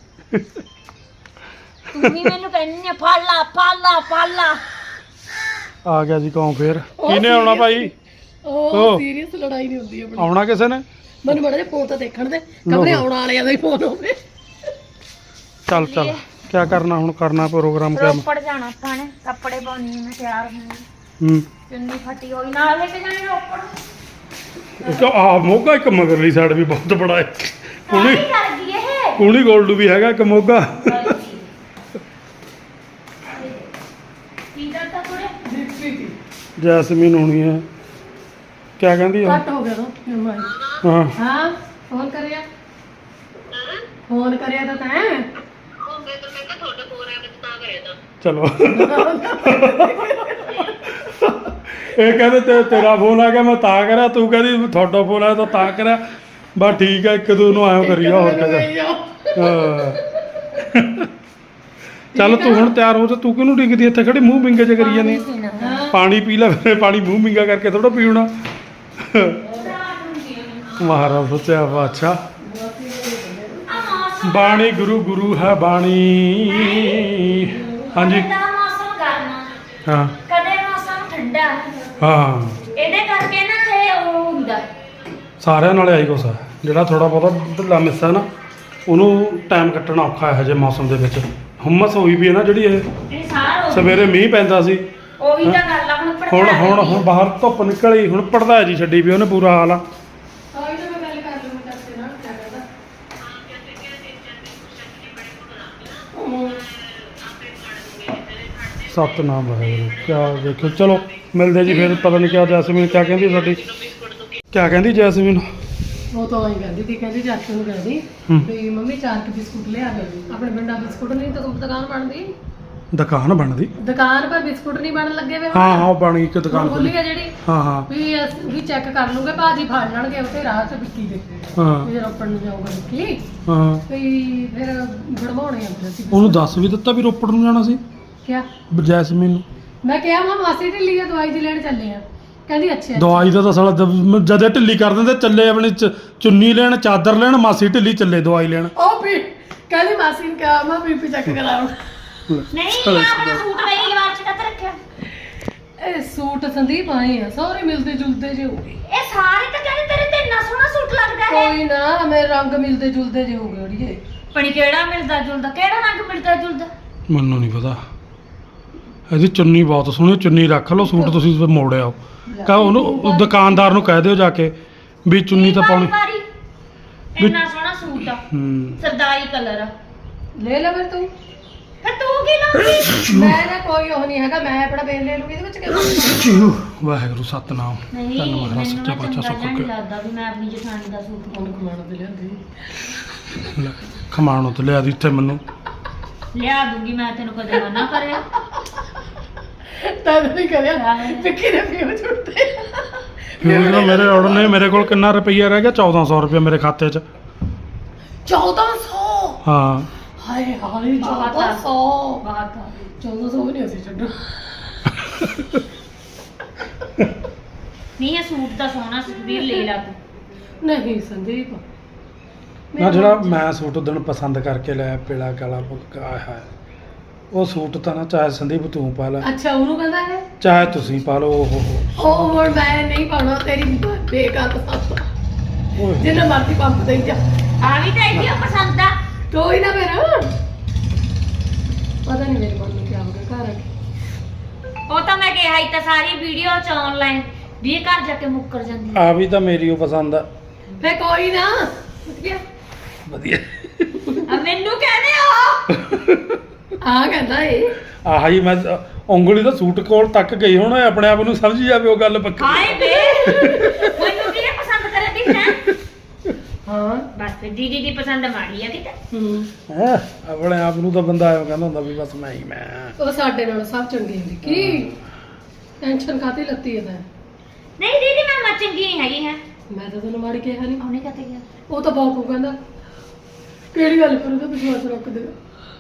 [SPEAKER 2] ਤੂੰ ਵੀ ਮੈਨੂੰ ਕਹਿੰਦੀ ਆ ਫੜ ਲਾ।
[SPEAKER 3] ਆ ਗਿਆ ਜੀ ਕੌਣ ਫੇਰ? ਕਿਹਨੇ ਆਉਣਾ ਭਾਈ?
[SPEAKER 1] ਉਹ ਸੀਰੀਅਸ ਲੜਾਈ ਨਹੀਂ ਹੁੰਦੀ ਆਪਣੀ।
[SPEAKER 3] ਆਉਣਾ ਕਿਸੇ ਨੇ?
[SPEAKER 1] ਮੈਨੂੰ ਬੜਾ ਜਿਹਾ ਫੋਨ ਤਾਂ ਦੇਖਣ ਦੇ, ਕਮਰੇ ਆਉਣ ਵਾਲਿਆਂ ਦਾ ਹੀ ਫੋਨ ਹੋਵੇ।
[SPEAKER 3] ਚੱਲ ਕੀ ਕਰਨਾ ਹੁਣ? ਕਰਨਾ ਪ੍ਰੋਗਰਾਮ ਕਿਆ?
[SPEAKER 2] ਰੋਪੜ ਜਾਣਾ ਆਪਾਂ ਨੇ, ਕੱਪੜੇ ਪਾਉਣੀ ਮੈਂ ਤਿਆਰ ਹੋਣੀ। ਚੁੰਨੀ ਫਟੀ ਹੋਈ ਨਾਲ ਲੈ ਕੇ ਜਾਣੀ ਰੋਪੜ।
[SPEAKER 3] ਇੱਕ ਆ ਮੋਗਾ, ਇੱਕ ਮਗਰਲੀ ਸਾਈਡ ਵੀ ਬਹੁਤ ਬੜਾ ਹੈ।
[SPEAKER 2] ਕੁਣੀ ਕਰਦੀ ਇਹ
[SPEAKER 3] ਕੁਣੀ ਗੋਲਡੂ ਵੀ ਹੈਗਾ ਇੱਕ ਮੋਗਾ।
[SPEAKER 2] ਕੀ ਕਰਦਾ ਕੋਲੇ?
[SPEAKER 3] ਜੈਸਮੀਨ ਹੋਣੀ ਹੈ। ਕਿਆ ਕਹਿੰਦੀ ਆ?
[SPEAKER 1] ਕੱਟ ਹੋ ਗਿਆ ਤਾਂ।
[SPEAKER 3] ਹਾਂ
[SPEAKER 1] ਹਾਂ, ਫੋਨ ਕਰਿਆ ਤਾਂ ਤੈਂ।
[SPEAKER 3] ਚਲੋ ਇਹ ਕਹਿੰਦੇ ਤੇਰਾ ਫੋਨ ਆ ਗਿਆ ਮੈਂ ਤਾਂ ਕਰਿਆ, ਤੂੰ ਕਹਿੰਦੀ ਤੁਹਾਡਾ ਫੋਨ ਆਇਆ ਤਾਂ ਕਰਿਆ। ਬਸ ਠੀਕ ਹੈ, ਇੱਕ ਦੂ ਨੂੰ ਆਇਓ ਕਰੀਆ। ਹੋਰ ਕਿਆ। ਚੱਲ ਤੂੰ ਹੁਣ ਤਿਆਰ ਹੋ ਜਾ। ਤੂੰ ਕਿਹਨੂੰ ਡਿੱਗਦੀ ਇੱਥੇ ਖੜੀ ਮੂੰਹ ਵਿੰਗੇ ਚ ਕਰੀ ਜਾਂਦੀ? ਪਾਣੀ ਪੀ ਲੈ ਫਿਰ। ਪਾਣੀ ਮੂੰਹ ਵਿੰਗਾ ਕਰਕੇ ਥੋੜਾ ਪੀਉਣਾ। ਮਹਾਰਾਜ ਸੱਚਾ ਬਾਦਸ਼ਾਹ। ਬਾਣੀ ਗੁਰੂ ਹੈ ਬਾਣੀ। ਹਾਂਜੀ
[SPEAKER 2] ਮੌਸਮ ਗਰਮ,
[SPEAKER 3] ਹਾਂ
[SPEAKER 2] ਕਦੇ ਮੌਸਮ ਠੰਡਾ।
[SPEAKER 3] ਹਾਂ,
[SPEAKER 2] ਇਹਦੇ ਕਰਕੇ ਨਾ ਇਹ ਉਹ ਹੁੰਦਾ।
[SPEAKER 3] ਸਾਰਿਆਂ ਨਾਲ ਆਈ ਕੁਛ। ਜਿਹੜਾ ਥੋੜਾ ਬਹੁਤਾ ਢਿੱਲਾ ਮਿੱਸਾ ਨਾ, ਉਹਨੂੰ ਟਾਈਮ ਕੱਟਣਾ ਔਖਾ ਹੈ ਜੇ ਮੌਸਮ ਦੇ ਵਿੱਚ। ਹੁਮਸ ਹੋਈ ਵੀ ਹੈ ਨਾ ਜਿਹੜੀ।
[SPEAKER 2] ਇਹ ਸਾਰ
[SPEAKER 3] ਸਵੇਰੇ ਮੀਂਹ ਪੈਂਦਾ ਸੀ,
[SPEAKER 2] ਉਹੀ ਤਾਂ ਗੱਲ ਆ। ਹੁਣ
[SPEAKER 3] ਹੁਣ ਬਾਹਰ ਧੁੱਪ ਨਿਕਲੀ, ਹੁਣ ਪੜਦਾ ਜੀ ਛੱਡੀ ਵੀ ਉਹਨੇ। ਪੂਰਾ ਹਾਲ ਆ। ਸਤਨਾਮ ਵਾਹਿਗੁਰੂ ਕਿਆ ਦੇਖੋ। ਚਲੋ ਮਿਲਦੇ ਜੀ ਫਿਰ। ਪਤਾ ਨਹੀਂ ਕਿਆ ਜੈਸਮੀਨ ਕਿਆ ਕਹਿੰਦੀ ਸਾਡੀ, ਕਿਆ ਕਹਿੰਦੀ ਜੈਸਮੀਨ?
[SPEAKER 1] ਉਹ ਤਾਂ ਆਈ ਕਹਿੰਦੀ ਸੀ, ਕਹਿੰਦੀ ਚਾਚੂ ਨੂੰ ਕਹਿੰਦੀ ਵੀ ਮੰਮੀ 4 ਕੇ ਬਿਸਕੁਟ ਲਿਆ ਦੇ। ਆਪਣੇ ਪਿੰਡਾਂ ਬਿਸਕੁਟ ਨਹੀਂ ਤਾਂ ਦੁਕਾਨ ਬਣਦੀ,
[SPEAKER 3] ਦੁਕਾਨ ਬਣਦੀ,
[SPEAKER 1] ਦੁਕਾਨ ਪਰ ਬਿਸਕੁਟ ਨਹੀਂ ਬਣਨ ਲੱਗੇ ਵੇ।
[SPEAKER 3] ਹਾਂ ਉਹ ਬਣੀ ਇੱਕ ਦੁਕਾਨ
[SPEAKER 1] ਖੁੱਲੀ ਆ ਜਿਹੜੀ,
[SPEAKER 3] ਹਾਂ ਹਾਂ
[SPEAKER 1] ਵੀ ਚੈੱਕ ਕਰ ਲੂਗੇ ਭਾਜੀ, ਫੜ ਲੈਣਗੇ ਉੱਥੇ ਰਾਹ 'ਚ ਵਿੱਕੀ ਦੇ,
[SPEAKER 3] ਹਾਂ
[SPEAKER 1] ਵੀ ਜਦੋਂ ਰੋਪੜ ਨੂੰ ਜਾਊਗਾ ਵਿੱਕੀ,
[SPEAKER 3] ਹਾਂ।
[SPEAKER 1] ਵੀ ਫਿਰ ਬਣਵਾਉਣੇ ਆ ਫਿਰ ਅਸੀਂ।
[SPEAKER 3] ਉਹਨੂੰ ਦੱਸ ਵੀ ਦਿੱਤਾ ਵੀ ਰੋਪੜ ਨੂੰ ਜਾਣਾ ਸੀ
[SPEAKER 1] ਕਿਆ
[SPEAKER 3] ਜੈਸਮੀਨ ਨੂੰ?
[SPEAKER 1] ਮੈਂ ਕਿਹਾ ਮਾਸੀ ਢਿੱਲੀ ਆ, ਦਵਾਈ ਦੀ ਲੈਣ ਚੱਲੇ ਆ। ਕਹਿੰਦੀ ਅੱਛਾ
[SPEAKER 3] ਦਵਾਈ ਦਾ ਤਾਂ ਸਾਲਾ ਜਦੇ ਢਿੱਲੀ ਕਰ ਦਿੰਦੇ, ਚੱਲੇ ਆਪਣੀ ਚੁੰਨੀ ਲੈਣ, ਚਾਦਰ ਲੈਣ, ਮਾਸੀ ਢਿੱਲੀ ਚੱਲੇ ਦਵਾਈ ਲੈਣ।
[SPEAKER 1] ਉਹ ਵੀ ਕਹਿੰਦੀ ਮਾਸੀ ਨੂੰ ਕਿਹਾ ਮੈਂ ਬੀਪੀ ਚੈੱਕ ਕਰਾਉਣ।
[SPEAKER 2] ਨਹੀਂ ਆਪਣਾ ਸੂਟ ਮੇਰੀ ਲਵਾਰ ਚ ਕੱਤ ਰੱਖਿਆ।
[SPEAKER 1] ਇਹ ਸੂਟ ਸੰਦੀਪ ਆਏ ਆ ਸਾਰੇ ਮਿਲਦੇ ਜੁਲਦੇ ਜੇ ਹੋ ਗਏ।
[SPEAKER 2] ਇਹ ਸਾਰੇ ਤਾਂ ਕਹਿੰਦੇ ਤੇਰੇ ਤੇ ਇੰਨਾ ਸੋਹਣਾ ਸੂਟ ਲੱਗਦਾ ਹੈ।
[SPEAKER 1] ਕੋਈ ਨਾ ਮੇਰੇ ਰੰਗ ਮਿਲਦੇ ਜੁਲਦੇ ਜੇ ਹੋ ਗਏ ਅੜੀਏ।
[SPEAKER 2] ਪਣੀ ਕਿਹੜਾ ਮਿਲਦਾ ਜੁਲਦਾ, ਕਿਹੜਾ ਰੰਗ ਮਿਲਦਾ ਜੁਲਦਾ?
[SPEAKER 3] ਮੈਨੂੰ ਨਹੀਂ ਪਤਾ। ਇਹਦੀ ਚੁੰਨੀ ਬਹੁਤ ਸੋਹਣੀ, ਚੁੰਨੀ ਰੱਖ ਲਓ, ਸੂਟ ਤੁਸੀਂ ਮੋੜ ਆਓ। ਕਹ ਉਹਨੂੰ ਦੁਕਾਨਦਾਰ ਨੂੰ ਕਹਿ ਦਿਓ ਜਾ ਕੇ ਵੀ ਚੁੰਨੀ ਤਾਂ ਪਾਉਣੀ।
[SPEAKER 2] ਇੰਨਾ ਸੋਹਣਾ ਸੂਟ ਆ, ਸਰਦਾਰੀ ਕਲਰ ਆ।
[SPEAKER 1] ਲੈ ਲੈ ਫਿਰ ਤੂੰ।
[SPEAKER 2] ਫਿਰ ਤੂੰ ਕੀ ਲਊਗੀ?
[SPEAKER 1] ਮੈਂ ਨਾ ਕੋਈ ਉਹ ਨਹੀਂ ਹੈਗਾ, ਮੈਂ ਆਪਣਾ ਬੇਲ ਲੈ ਲੂਗੀ ਇਹਦੇ ਵਿੱਚ ਕਿਉਂ?
[SPEAKER 3] ਵਾਹਿਗੁਰੂ ਸਤਨਾਮ।
[SPEAKER 2] ਨਹੀਂ
[SPEAKER 3] ਧੰਨਵਾਦ
[SPEAKER 2] ਮੈਨੂੰ
[SPEAKER 3] ਸੱਚਾ
[SPEAKER 2] ਨਾ
[SPEAKER 3] ਪਾਤਸ਼ਾਹ
[SPEAKER 2] ਚੰਗਾ
[SPEAKER 3] ਸੁੱਖ
[SPEAKER 2] ਜਿਹਾ
[SPEAKER 3] ਕੇ
[SPEAKER 2] ਨਹੀਂ ਲੱਗਦਾ ਵੀ ਮੈਂ ਆਪਣੀ ਜਠਾਣੀ ਦਾ ਸੂਟ
[SPEAKER 1] ਹੁਣ ਕਮਾਣਾ ਤੇ ਲਿਆਂਦੀ।
[SPEAKER 3] ਖਮਾਣੋ ਤੇ ਲਿਆ ਦੀ ਇੱਥੇ ਮੈਨੂੰ
[SPEAKER 2] ਲਿਆ ਦੂੰਗੀ ਮੈਂ, ਤੈਨੂੰ ਕਦੇ ਮਨਾ ਕਰਿਆ?
[SPEAKER 1] ਤਾਂ ਨਹੀਂ ਕਰਿਆ ਵਿੱਕੀ ਨੇ ਫਿਊ ਛੁੱਟਦੇ।
[SPEAKER 3] ਫਿਊਜ਼ ਨਾ ਮੇਰੇ ਆਰਡਰ ਨੇ। ਮੇਰੇ ਕੋਲ ਕਿੰਨਾ ਰੁਪਈਆ ਰਹਿ ਗਿਆ? 1400 ਰੁਪਏ ਮੇਰੇ ਖਾਤੇ 'ਚ।
[SPEAKER 1] 1400?
[SPEAKER 3] ਹਾਂ
[SPEAKER 1] ਹਾਏ ਹਾਏ 1400।
[SPEAKER 2] ਬਾਤ ਆ
[SPEAKER 1] 1400 ਵੀ ਨਹੀਂ ਅਸੀਂ ਛੱਡੋ।
[SPEAKER 2] ਨਹੀਂ ਇਹ ਸੂਟ ਤਾਂ ਸੋਹਣਾ ਸੁਖਬੀਰ, ਲੈ ਲਾ ਤੂੰ।
[SPEAKER 1] ਨਹੀਂ ਸੰਦੀਪ
[SPEAKER 3] ਨਾ ਜਿਹੜਾ ਮੈਂ ਸੂਟ ਉਦਣ ਪਸੰਦ ਕਰਕੇ ਲਿਆ ਪੀਲਾ ਕਾਲਾ ਫੁਲਕਾ, ਆਏ ਹਾਏ ਉਹ ਸੂਟ ਤਾਂ ਨਾ ਚਾਹੇ ਸੰਦੀਪ ਤੂੰ ਪਾ ਲੈ,
[SPEAKER 1] ਅੱਛਾ ਉਹਨੂੰ ਕਹਿੰਦਾ ਹੈ
[SPEAKER 3] ਚਾਹੇ ਤੁਸੀਂ ਪਾ ਲਓ।
[SPEAKER 1] ਉਹ ਹੁਣ ਮੈਂ ਨਹੀਂ ਪਾਉਣਾ, ਤੇਰੀ ਬੇਕਾਰ ਪਸੰਦ,
[SPEAKER 3] ਓਏ
[SPEAKER 1] ਜਿੰਨਾ ਮਰਜ਼ੀ ਪੰਪ ਦੇਈ ਜਾ।
[SPEAKER 2] ਆ ਵੀ ਤਾਂ ਇਹਦੀ ਪਸੰਦ ਆ।
[SPEAKER 1] ਕੋਈ ਨਾ ਮੇਰਾ ਪਤਾ ਨਹੀਂ ਮੇਰੇ ਮਨ ਨੂੰ ਕੀ ਹੋ ਗਿਆ ਘਰ ਆ ਕੇ।
[SPEAKER 2] ਉਹ ਤਾਂ ਮੈਂ ਕਿਹਾ ਹੀ ਤਾਂ ਸਾਰੀ ਵੀਡੀਓ ਚ ਆਨਲਾਈਨ ਵੀ ਇਹ ਘਰ ਜਾ ਕੇ ਮੁੱਕਰ ਜਾਂਦੀ
[SPEAKER 3] ਆ ਵੀ ਤਾਂ ਮੇਰੀ ਉਹ ਪਸੰਦ ਆ।
[SPEAKER 1] ਫੇ ਕੋਈ ਨਾ ਵਧੀਆ
[SPEAKER 3] ਵਧੀਆ
[SPEAKER 2] ਆ। ਮੈਨੂੰ ਕਹਿੰਦੇ ਆ
[SPEAKER 1] ਆ ਕਹਿੰਦਾ ਏ
[SPEAKER 3] ਆਹ ਹੀ ਮੈਂ ਉਂਗਲੀ ਤਾਂ ਸੂਟ ਕੋਲ ਤੱਕ ਗਈ ਹੁਣ, ਆਪਣੇ ਆਪ ਨੂੰ ਸਮਝ ਜਾਵੇ ਉਹ ਗੱਲ ਵੱਖਰੀ।
[SPEAKER 2] ਹਾਏ ਬੇ ਮੈਨੂੰ ਕਿਹਨੇ ਪਸੰਦ ਕਰਦੀ ਹੈ?
[SPEAKER 1] ਹਾਂ
[SPEAKER 2] ਬਸ ਫਿਰ ਦੀਦੀ ਦੀ ਪਸੰਦ ਮਾੜੀ ਆ ਕਿਤੇ।
[SPEAKER 3] ਹੈ ਆਪਣੇ ਆਪ ਨੂੰ ਤਾਂ ਬੰਦਾ ਆਇਓ ਕਹਿੰਦਾ ਹੁੰਦਾ ਵੀ ਬਸ ਮੈਂ ਹੀ ਮੈਂ।
[SPEAKER 1] ਉਹ ਸਾਡੇ ਨਾਲ ਸਭ ਚੰਗੀ ਹੁੰਦੀ ਕੀ ਟੈਨਸ਼ਨ ਕਾਤੀ ਲੱਤੀ ਹੈ ਤਾਂ।
[SPEAKER 2] ਨਹੀਂ ਦੀਦੀ ਮੈਂ ਚੰਗੀ ਨਹੀਂ ਹੈਗੀ ਹੈ।
[SPEAKER 1] ਮੈਂ ਤਾਂ ਤੈਨੂੰ ਮਾੜੀ ਕਿਹਾ ਨਹੀਂ।
[SPEAKER 2] ਉਹਨੇ ਕਹਤੇ ਗਿਆ
[SPEAKER 1] ਉਹ ਤਾਂ ਬਾਪੂ ਕਹਿੰਦਾ ਕਿਹੜੀ ਗੱਲ ਪਰ ਉਹਦਾ ਵਿਸ਼ਵਾਸ ਰੱਖ ਦੇਗਾ।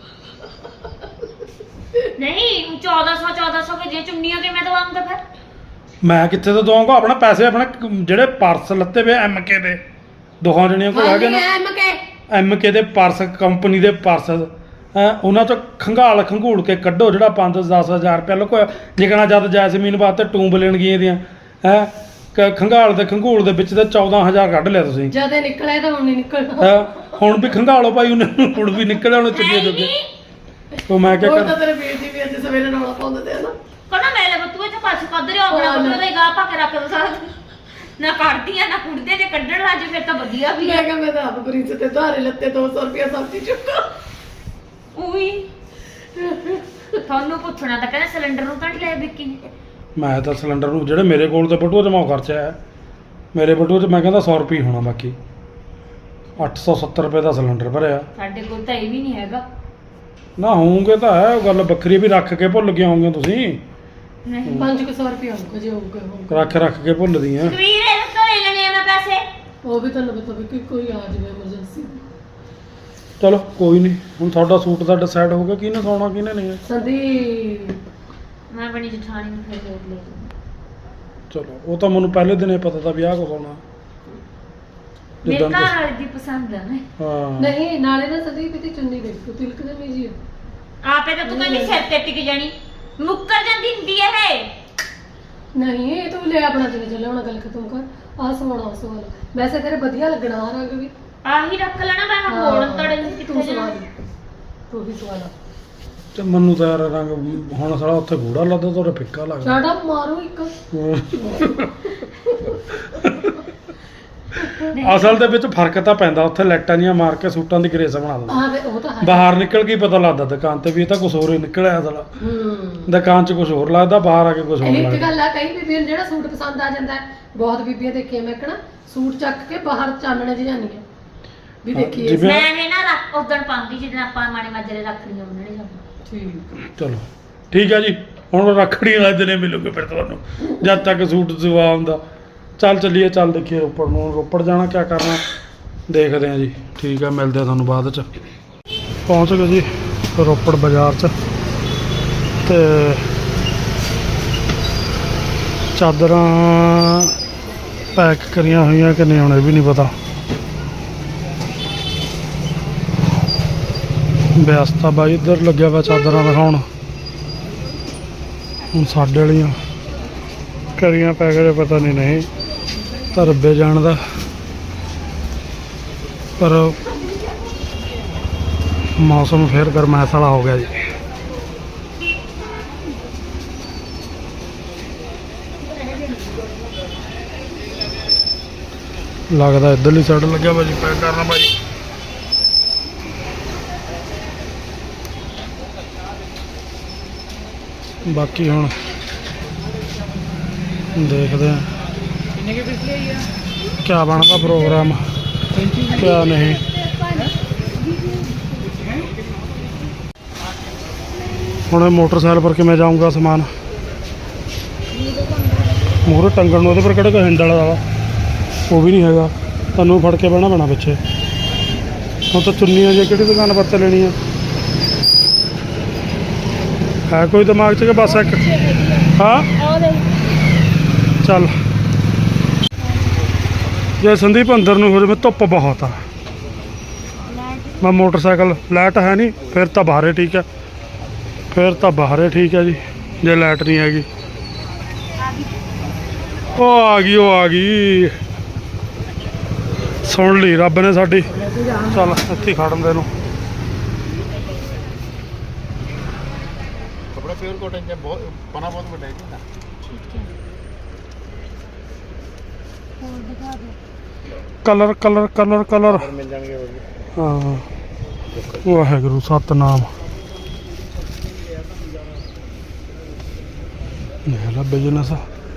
[SPEAKER 2] ਨਹੀਂ 1400 ਕੇ ਜੇ ਚੁੰਨੀਆਂ ਕੇ ਮੈਂ ਦਵਾਉਂਗਾ ਫਿਰ।
[SPEAKER 3] ਮੈਂ ਕਿੱਥੇ ਤੋਂ ਦਵਾਂਗਾ? ਆਪਣਾ ਪੈਸੇ ਆਪਣੇ ਜਿਹੜੇ ਪਰਸ ਲੱਤੇ ਵੇ MK ਦੇ ਦੋਹਾਂ ਜਣੀਆਂ ਕੋਲ ਹੈਗੇ ਨਾ, MK ਦੇ ਪਰਸ, ਕੰਪਨੀ ਦੇ ਪਰਸ, ਉਹਨਾਂ ਚੋਂ ਖੰਗਾਲ ਖੰਗੂੜ ਕੇ ਕੱਢੋ ਜਿਹੜਾ 5-10 ਹਜ਼ਾਰ ਰੁਪਇਆ ਲੁਕੋਇਆ। ਜਿਕਣਾ ਜਦ ਜੈਸਮੀਨ ਵਾਸਤੇ ਟੂੰਬ ਲੈਣ ਗਏ ਦੀਆਂ ਖੰਗਾਲ ਦੇ ਖੰਗੂੜ ਦੇ ਵਿੱਚ ਤੇ 14000 ਕੱਢ ਲਿਆ ਤੁਸੀਂ।
[SPEAKER 1] ਜਦ ਇਹ ਨਿਕਲਿਆ ਤਾਂ ਹੁਣ ਨਹੀਂ ਨਿਕਲਣਾ।
[SPEAKER 3] ਹੁਣ ਵੀ ਖੰਗਾਲੋ ਭਾਈ, ਉਹਨੇ ਹੁਣ ਵੀ ਨਿਕਲਿਆ, ਉਹਨੇ ਚੁੱਕੇ ਜੋਗੇ। ਉਹ ਮੈਂ ਕਿਹਾ
[SPEAKER 1] ਉਹ ਤਾਂ ਤੇਰੇ ਵੀਰ ਦੀ ਵੀ ਅੱਜ ਸਵੇਰੇ ਰੌਲਾ ਪਾਉਂਦੇ ਤੇ ਨਾ
[SPEAKER 2] ਕੋਨਾ ਮੈਂ ਲੈ ਬਤੂਏ ਚ ਪਾਸ ਕੱਢ ਰਿਓ ਆਪਣਾ ਬਤੂਏ ਦਾ ਗਾਹ ਪਾ ਕੇ ਰੱਖ ਦੋ ਸਾਰਾ ਦਿਨ। ਨਾ ਕੱਢਦੀਆਂ ਨਾ ਕੁੜਦੇ, ਜੇ ਕੱਢਣ ਲੱਜ ਫਿਰ ਤਾਂ ਵਧੀਆ ਵੀ
[SPEAKER 1] ਮੈਂ ਕਿਹਾ ਮੈਂ ਤਾਂ ਆਪ ਬਰੀਚ ਤੇ ਧਾਰੇ ਲੱਤੇ 200 ਰੁਪਇਆ ਸਬਜ਼ੀ ਚੁੱਕਾ।
[SPEAKER 2] ਉਹੀ ਤੁਹਾਨੂੰ ਪੁੱਛਣਾ ਤਾਂ ਕਹਿੰਦਾ ਸਿਲੰਡਰ ਨੂੰ ਤਾਂ ਨੀ ਲਿਆ ਵਿੱਕੀ ਨੇ।
[SPEAKER 3] ਮੈਂ ਤਾਂ ਸਿਲੰਡਰ ਨੂੰ ਜਿਹੜੇ ਮੇਰੇ ਕੋਲ ਤੇ ਬਟੂਆ 'ਚ ਮੈਂ ਉਹ ਖਰਚਿਆ ਹੈ। ਮੇਰੇ ਬਟੂਏ 'ਚ ਮੈਂ ਕਹਿੰਦਾ 100 ਰੁਪਏ ਹੋਣਾ, ਬਾਕੀ 870 ਰੁਪਏ ਦਾ ਸਿਲੰਡਰ ਭਰਿਆ।
[SPEAKER 2] ਸਾਡੇ ਕੋਲ ਤਾਂ ਇਹ ਵੀ ਨਹੀਂ ਹੈਗਾ।
[SPEAKER 3] ਨਾ ਹੋਊਗੇ ਤਾਂ ਹੈ, ਉਹ ਗੱਲ ਵੱਖਰੀ ਵੀ ਰੱਖ ਕੇ ਭੁੱਲ ਗਏ ਹੋਵੋਗੇ ਤੁਸੀਂ।
[SPEAKER 2] ਨਹੀਂ
[SPEAKER 1] 500 ਰੁਪਇਆ ਹੋਊਗਾ ਜੇ ਹੋਊਗਾ।
[SPEAKER 3] ਰੱਖ ਕੇ ਭੁੱਲਦੀਆਂ।
[SPEAKER 2] ਵੀਰ ਇਹ ਤੋਂ ਲੈ ਲੈਣੇ ਆ ਮੈਂ ਪੈਸੇ।
[SPEAKER 1] ਉਹ ਵੀ ਤੁਹਾਨੂੰ ਪਤਾ ਵੀ ਕਿ ਕੋਈ ਆ ਜਾਵੇ ਐਮਰਜੈਂਸੀ।
[SPEAKER 3] ਚਲੋ ਕੋਈ ਨਹੀਂ, ਹੁਣ ਤੁਹਾਡਾ ਸੂਟ ਦਾ ਡਿਸਾਈਡ ਹੋ ਗਿਆ ਕਿਹਨੇ ਸੌਣਾ ਕਿਹਨੇ ਨਹੀਂ।
[SPEAKER 1] ਸੰਦੀਪ
[SPEAKER 2] ਮੈਂ ਆਪਣੀ ਜਠਾਣੀ ਨੂੰ ਫਿਰ ਲੈ ਲੂੰ।
[SPEAKER 3] ਚਲੋ ਉਹ ਤਾਂ ਮੈਨੂੰ ਪਹਿਲੇ ਦਿਨ ਹੀ ਪਤਾ ਤਾਂ ਵੀ ਆਹ ਕੁਛ ਹੋਣਾ।
[SPEAKER 2] ਮੇਰੇ
[SPEAKER 3] ਜਿੱਦਾਂ
[SPEAKER 2] ਘਰ
[SPEAKER 3] ਤੁਸੀਂ-
[SPEAKER 2] ਵਾਲੀ ਦੀ ਪਸੰਦ ਆ ਨਾ।
[SPEAKER 3] ਹਾਂ
[SPEAKER 1] ਨਹੀਂ ਨਾਲੇ ਨਾ ਸੰਦੀਪ ਦੀ ਚੁੰਨੀ ਦੇਖੋ ਤਿਲਕ ਦੇ ਨਹੀਂ ਜੀ।
[SPEAKER 2] ਆਪੇ ਤਾਂ ਤੂੰ ਕਹਿੰਦੀ ਸਿਰ ਤੇ ਟਿਕ ਜਾਣੀ, ਮੁੱਕਰ ਜਾਂਦੀ ਹੁੰਦੀ ਹੈ ਇਹ।
[SPEAKER 1] ਨਹੀਂ ਇਹ ਤੂੰ ਲੈ ਆਪਣਾ ਜਿਵੇਂ ਚੱਲੇ ਹੁਣ ਗੱਲ ਖਤਮ ਕਰ। ਆਹ ਸਵਾਣਾ ਸਵਾਲ ਵੈਸੇ ਤੇਰੇ ਵਧੀਆ ਲੱਗਣਾ ਆ ਰੰਗ ਵੀ।
[SPEAKER 2] ਆਹੀ ਰੱਖ ਲੈਣਾ ਮੈਂ ਮੋੜਨ ਤੜੇ ਨੂੰ
[SPEAKER 1] ਤੂੰ
[SPEAKER 2] ਕਿੱਥੇ
[SPEAKER 1] ਸਵਾਲ
[SPEAKER 2] ਜਾਣਾ।
[SPEAKER 1] ਤੂੰ ਹੀ ਸਵਾਲ
[SPEAKER 3] ਤੇ ਮੈਨੂੰ ਤਾਂ ਯਾਰ ਰੰਗ ਹੁਣ ਸਾਲਾ ਉੱਥੇ ਗੂੜਾ ਲੱਗਦਾ, ਤੁਹਾਡੇ ਫਿੱਕਾ ਲੱਗਦਾ।
[SPEAKER 1] ਸਾਡਾ ਮਾਰੂ ਇੱਕ
[SPEAKER 3] ਅਸਲ ਦੇ ਵਿੱਚ ਫਰਕ ਤਾਂ ਪੈਂਦਾ, ਉੱਥੇ ਲਾਈਟਾਂ ਜੀਆਂ ਮਾਰ ਕੇ ਸੂਟਾਂ ਦੀ ਗਰੇਸ ਬਣਾ ਦਿੰਦਾ।
[SPEAKER 1] ਹਾਂ ਵੇ ਉਹ ਤਾਂ ਹੈ।
[SPEAKER 3] ਬਾਹਰ ਨਿਕਲ ਕੇ ਹੀ ਪਤਾ ਲੱਗਦਾ ਦੁਕਾਨ ਤੇ ਵੀ ਇਹ ਤਾਂ ਕੁਝ ਹੋਰ ਹੀ ਨਿਕਲਿਆ ਅਸਲ।
[SPEAKER 1] ਹੂੰ
[SPEAKER 3] ਦੁਕਾਨ 'ਚ ਕੁਝ ਹੋਰ ਲੱਗਦਾ, ਬਾਹਰ ਆ ਕੇ ਕੁਝ ਹੋਰ
[SPEAKER 1] ਇੱਕ
[SPEAKER 3] ਲੱਗਦਾ।
[SPEAKER 1] ਗੱਲ ਆ, ਕਈ ਬੀਬੀਆਂ ਨੂੰ ਜਿਹੜਾ ਸੂਟ ਪਸੰਦ ਆ ਜਾਂਦਾ ਹੈ, ਬਹੁਤ ਬੀਬੀਆਂ ਦੇਖੀਆਂ ਮੈਂ ਕਹਣਾ ਸੂਟ ਚੱਕ ਕੇ ਬਾਹਰ ਚਾਨਣੇ 'ਚ ਜਾਂਦੀਆਂ ਵੀ ਦੇਖੀਏ।
[SPEAKER 3] ਜਿਵੇਂ-
[SPEAKER 2] ਮੈਂ ਇਹ ਨਾ ਰੱਖ ਉਦਣ ਪਾਉਂਦੀ ਜਿੱਦਣ ਆਪਾਂ ਮਾਣੇ ਮਾਜਰੇ ਰੱਖੜੀਆਂ ਬੰਨਣੇ ਜਾਣਾ।
[SPEAKER 1] ਠੀਕ
[SPEAKER 3] ਚਲੋ ਠੀਕ ਹੈ ਜੀ, ਹੁਣ ਰੱਖੜੀ ਵਾਲੇ ਦਿਨੇ ਮਿਲੂਗੇ ਫਿਰ ਤੁਹਾਨੂੰ, ਜਦ ਤੱਕ ਸੂਟ ਸਵਾ ਹੁੰਦਾ। ਚੱਲ ਚੱਲੀਏ, ਚੱਲ ਦੇਖੀਏ ਰੋਪੜ ਨੂੰ। ਰੋਪੜ ਜਾਣਾ ਕਿਆ ਕਰਨਾ ਦੇਖਦੇ ਹਾਂ ਜੀ। ਠੀਕ ਹੈ, ਮਿਲਦੇ ਆ ਤੁਹਾਨੂੰ ਬਾਅਦ 'ਚ। ਪਹੁੰਚ ਗਏ ਜੀ ਰੋਪੜ ਬਾਜ਼ਾਰ 'ਚ, ਤੇ ਚਾਦਰਾਂ ਪੈਕ ਕਰੀਆਂ ਹੋਈਆਂ ਕਿ ਨਹੀਂ ਹੁਣ ਇਹ ਵੀ ਨਹੀਂ ਪਤਾ। ਵਿਅਸਤਾ ਬਾਈ ਇੱਧਰ ਲੱਗਿਆ ਵਾ ਚਾਦਰਾਂ ਦਿਖਾਉਣ। ਹੁਣ ਸਾਡੇ ਵਾਲੀਆਂ ਕਰੀਆਂ ਪੈ ਗਏ, ਪਤਾ ਨਹੀਂ ਤਾਂ ਰੱਬੇ ਜਾਣਦਾ। ਪਰ ਮੌਸਮ ਫਿਰ ਗਰਮੈਸ਼ ਵਾਲਾ ਹੋ ਗਿਆ ਜੀ। ਲੱਗਦਾ ਇੱਧਰਲੀ ਸਾਈਡ ਲੱਗਿਆ ਭਾਜੀ ਪੈਕ ਕਰਨਾ ਭਾਜੀ। ਬਾਕੀ ਹੁਣ ਦੇਖਦੇ ਹਾਂ ਕਿਆ ਬਣਦਾ ਪ੍ਰੋਗਰਾਮ, ਕਿਆ ਨਹੀਂ। ਹੁਣ ਇਹ ਮੋਟਰਸਾਈਕਲ ਪਰ ਕਿਵੇਂ ਜਾਊਂਗਾ ਸਮਾਨ ਮੂਹਰੇ ਟੰਗਣ ਨੂੰ, ਉਹਦੇ ਪਰ ਕਿਹੜਾ ਕੋਈ ਹੈਂਡਲ ਵਾਲਾ ਉਹ ਵੀ ਨਹੀਂ ਹੈਗਾ, ਤੁਹਾਨੂੰ ਫੜ ਕੇ ਬਹਿਣਾ ਪੈਣਾ ਪਿੱਛੇ। ਹੁਣ ਤਾਂ ਚੁੰਨੀਆਂ ਜੇ ਕਿਹੜੀ ਦੁਕਾਨ ਪਰ ਤੇ ਲੈਣੀ ਆ, ਹੈ ਕੋਈ ਦਿਮਾਗ 'ਚ ਕਿ ਬਸ ਇੱਕ? ਹਾਂ ਚੱਲ ਜੇ ਸੰਦੀਪ ਅੰਦਰ ਨੂੰ ਹੋ ਜਾਵੇ, ਧੁੱਪ ਬਹੁਤ ਆ। ਮੈਂ ਮੋਟਰਸਾਈਕਲ ਲਾਈਟ ਹੈ ਨਹੀਂ, ਫਿਰ ਤਾਂ ਬਾਹਰੇ ਠੀਕ ਹੈ, ਫਿਰ ਤਾਂ ਬਾਹਰੇ ਠੀਕ ਹੈ ਜੀ। ਜੇ ਲਾਈਟ ਨਹੀਂ ਹੈਗੀ, ਉਹ ਆ ਗਈ, ਉਹ ਆ ਗਈ, ਸੁਣ ਲਈ ਰੱਬ ਨੇ ਸਾਡੀ। ਚੱਲ ਇੱਥੇ ਖੜਨ ਦੇ ਨੂੰ।
[SPEAKER 4] कपड़ा प्योर कॉटन का बहुत पना बहुत बड़ा है जी ना।
[SPEAKER 2] ਹੋਰ ਦਿਖਾ ਦਿਓ।
[SPEAKER 3] ਕਲਰ ਕਲਰ ਕਲਰ ਕਲਰ
[SPEAKER 4] और मिल जाएंगे और भी।
[SPEAKER 3] ਹਾਂ ਵਾਹਿਗੁਰੂ ਸਤਨਾਮ। ਇਹ ਲਾ ਬਿਜ਼ਨਸ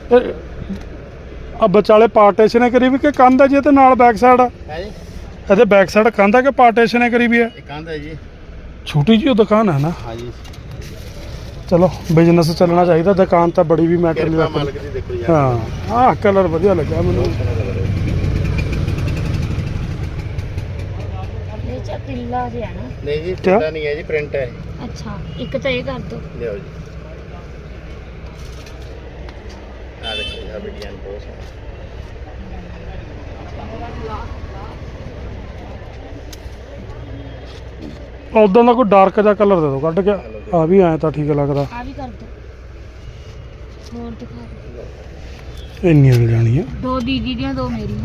[SPEAKER 3] ਆ ਵਿਚਾਲੇ ਪਾਰਟੀਸ਼ਨ ਕਰੀ ਵੀ ਕਿ ਕੰਧ ਹੈ ਜੀ, ਤੇ ਨਾਲ ਬੈਕ ਸਾਈਡ
[SPEAKER 4] है जी
[SPEAKER 3] ਇਹਦੇ ਬੈਕ ਸਾਈਡ ਕੰਧ ਹੈ ਕਿ ਪਾਰਟੀਸ਼ਨ ਕਰੀ ਵੀ ਹੈ?
[SPEAKER 4] एक कांदा है जी।
[SPEAKER 3] ਛੋਟੀ ਜਿਹੀ ਉਹ ਦੁਕਾਨ ਹੈ ਨਾ।
[SPEAKER 4] हाँ जी
[SPEAKER 3] ਚਲੋ ਬਿਜ਼ਨਸ ਚੱਲਣਾ ਚਾਹੀਦਾ, ਦੁਕਾਨ ਤਾਂ ਬੜੀ ਵੀ ਮੈਟਰ ਨਹੀਂ
[SPEAKER 4] कृपा
[SPEAKER 3] ਰੱਖਦੀ।
[SPEAKER 4] मालिक दी देखो यार।
[SPEAKER 3] ਹਾਂ ਆਹ ਕਲਰ ਵਧੀਆ ਲੱਗਿਆ ਮੈਨੂੰ।
[SPEAKER 2] ਇਹ ਚ ਤਿੱਲਾ ਜਿਹਾ ਨਾ।
[SPEAKER 4] नहीं जी
[SPEAKER 3] क्या?
[SPEAKER 4] चिट्टा नहीं है जी, प्रिंट है।
[SPEAKER 2] ਅੱਛਾ ਇੱਕ ਤਾਂ ਇਹ ਕਰ ਦਿਓ।
[SPEAKER 4] ले जी आ देखो यार डिजाइन बहुत है।
[SPEAKER 3] ਉਦਾਂ ਦਾ ਕੋਈ ਡਾਰਕ ਜਿਹਾ ਕਲਰ ਦੇ ਦਿਓ ਕੱਢ ਕੇ। ਆ ਵੀ ਐਂ ਤਾਂ ਠੀਕ ਲੱਗਦਾ।
[SPEAKER 2] ਆ ਵੀ ਕਰ ਦਿਓ। ਹੋਰ ਦਿਖਾ ਦਿਓ।
[SPEAKER 3] ਇੰਨੀਆਂ ਮਿਲ ਜਾਣੀਆਂ।
[SPEAKER 2] ਦੋ ਦੀਦੀ ਦੀਆਂ, ਦੋ ਮੇਰੀਆਂ।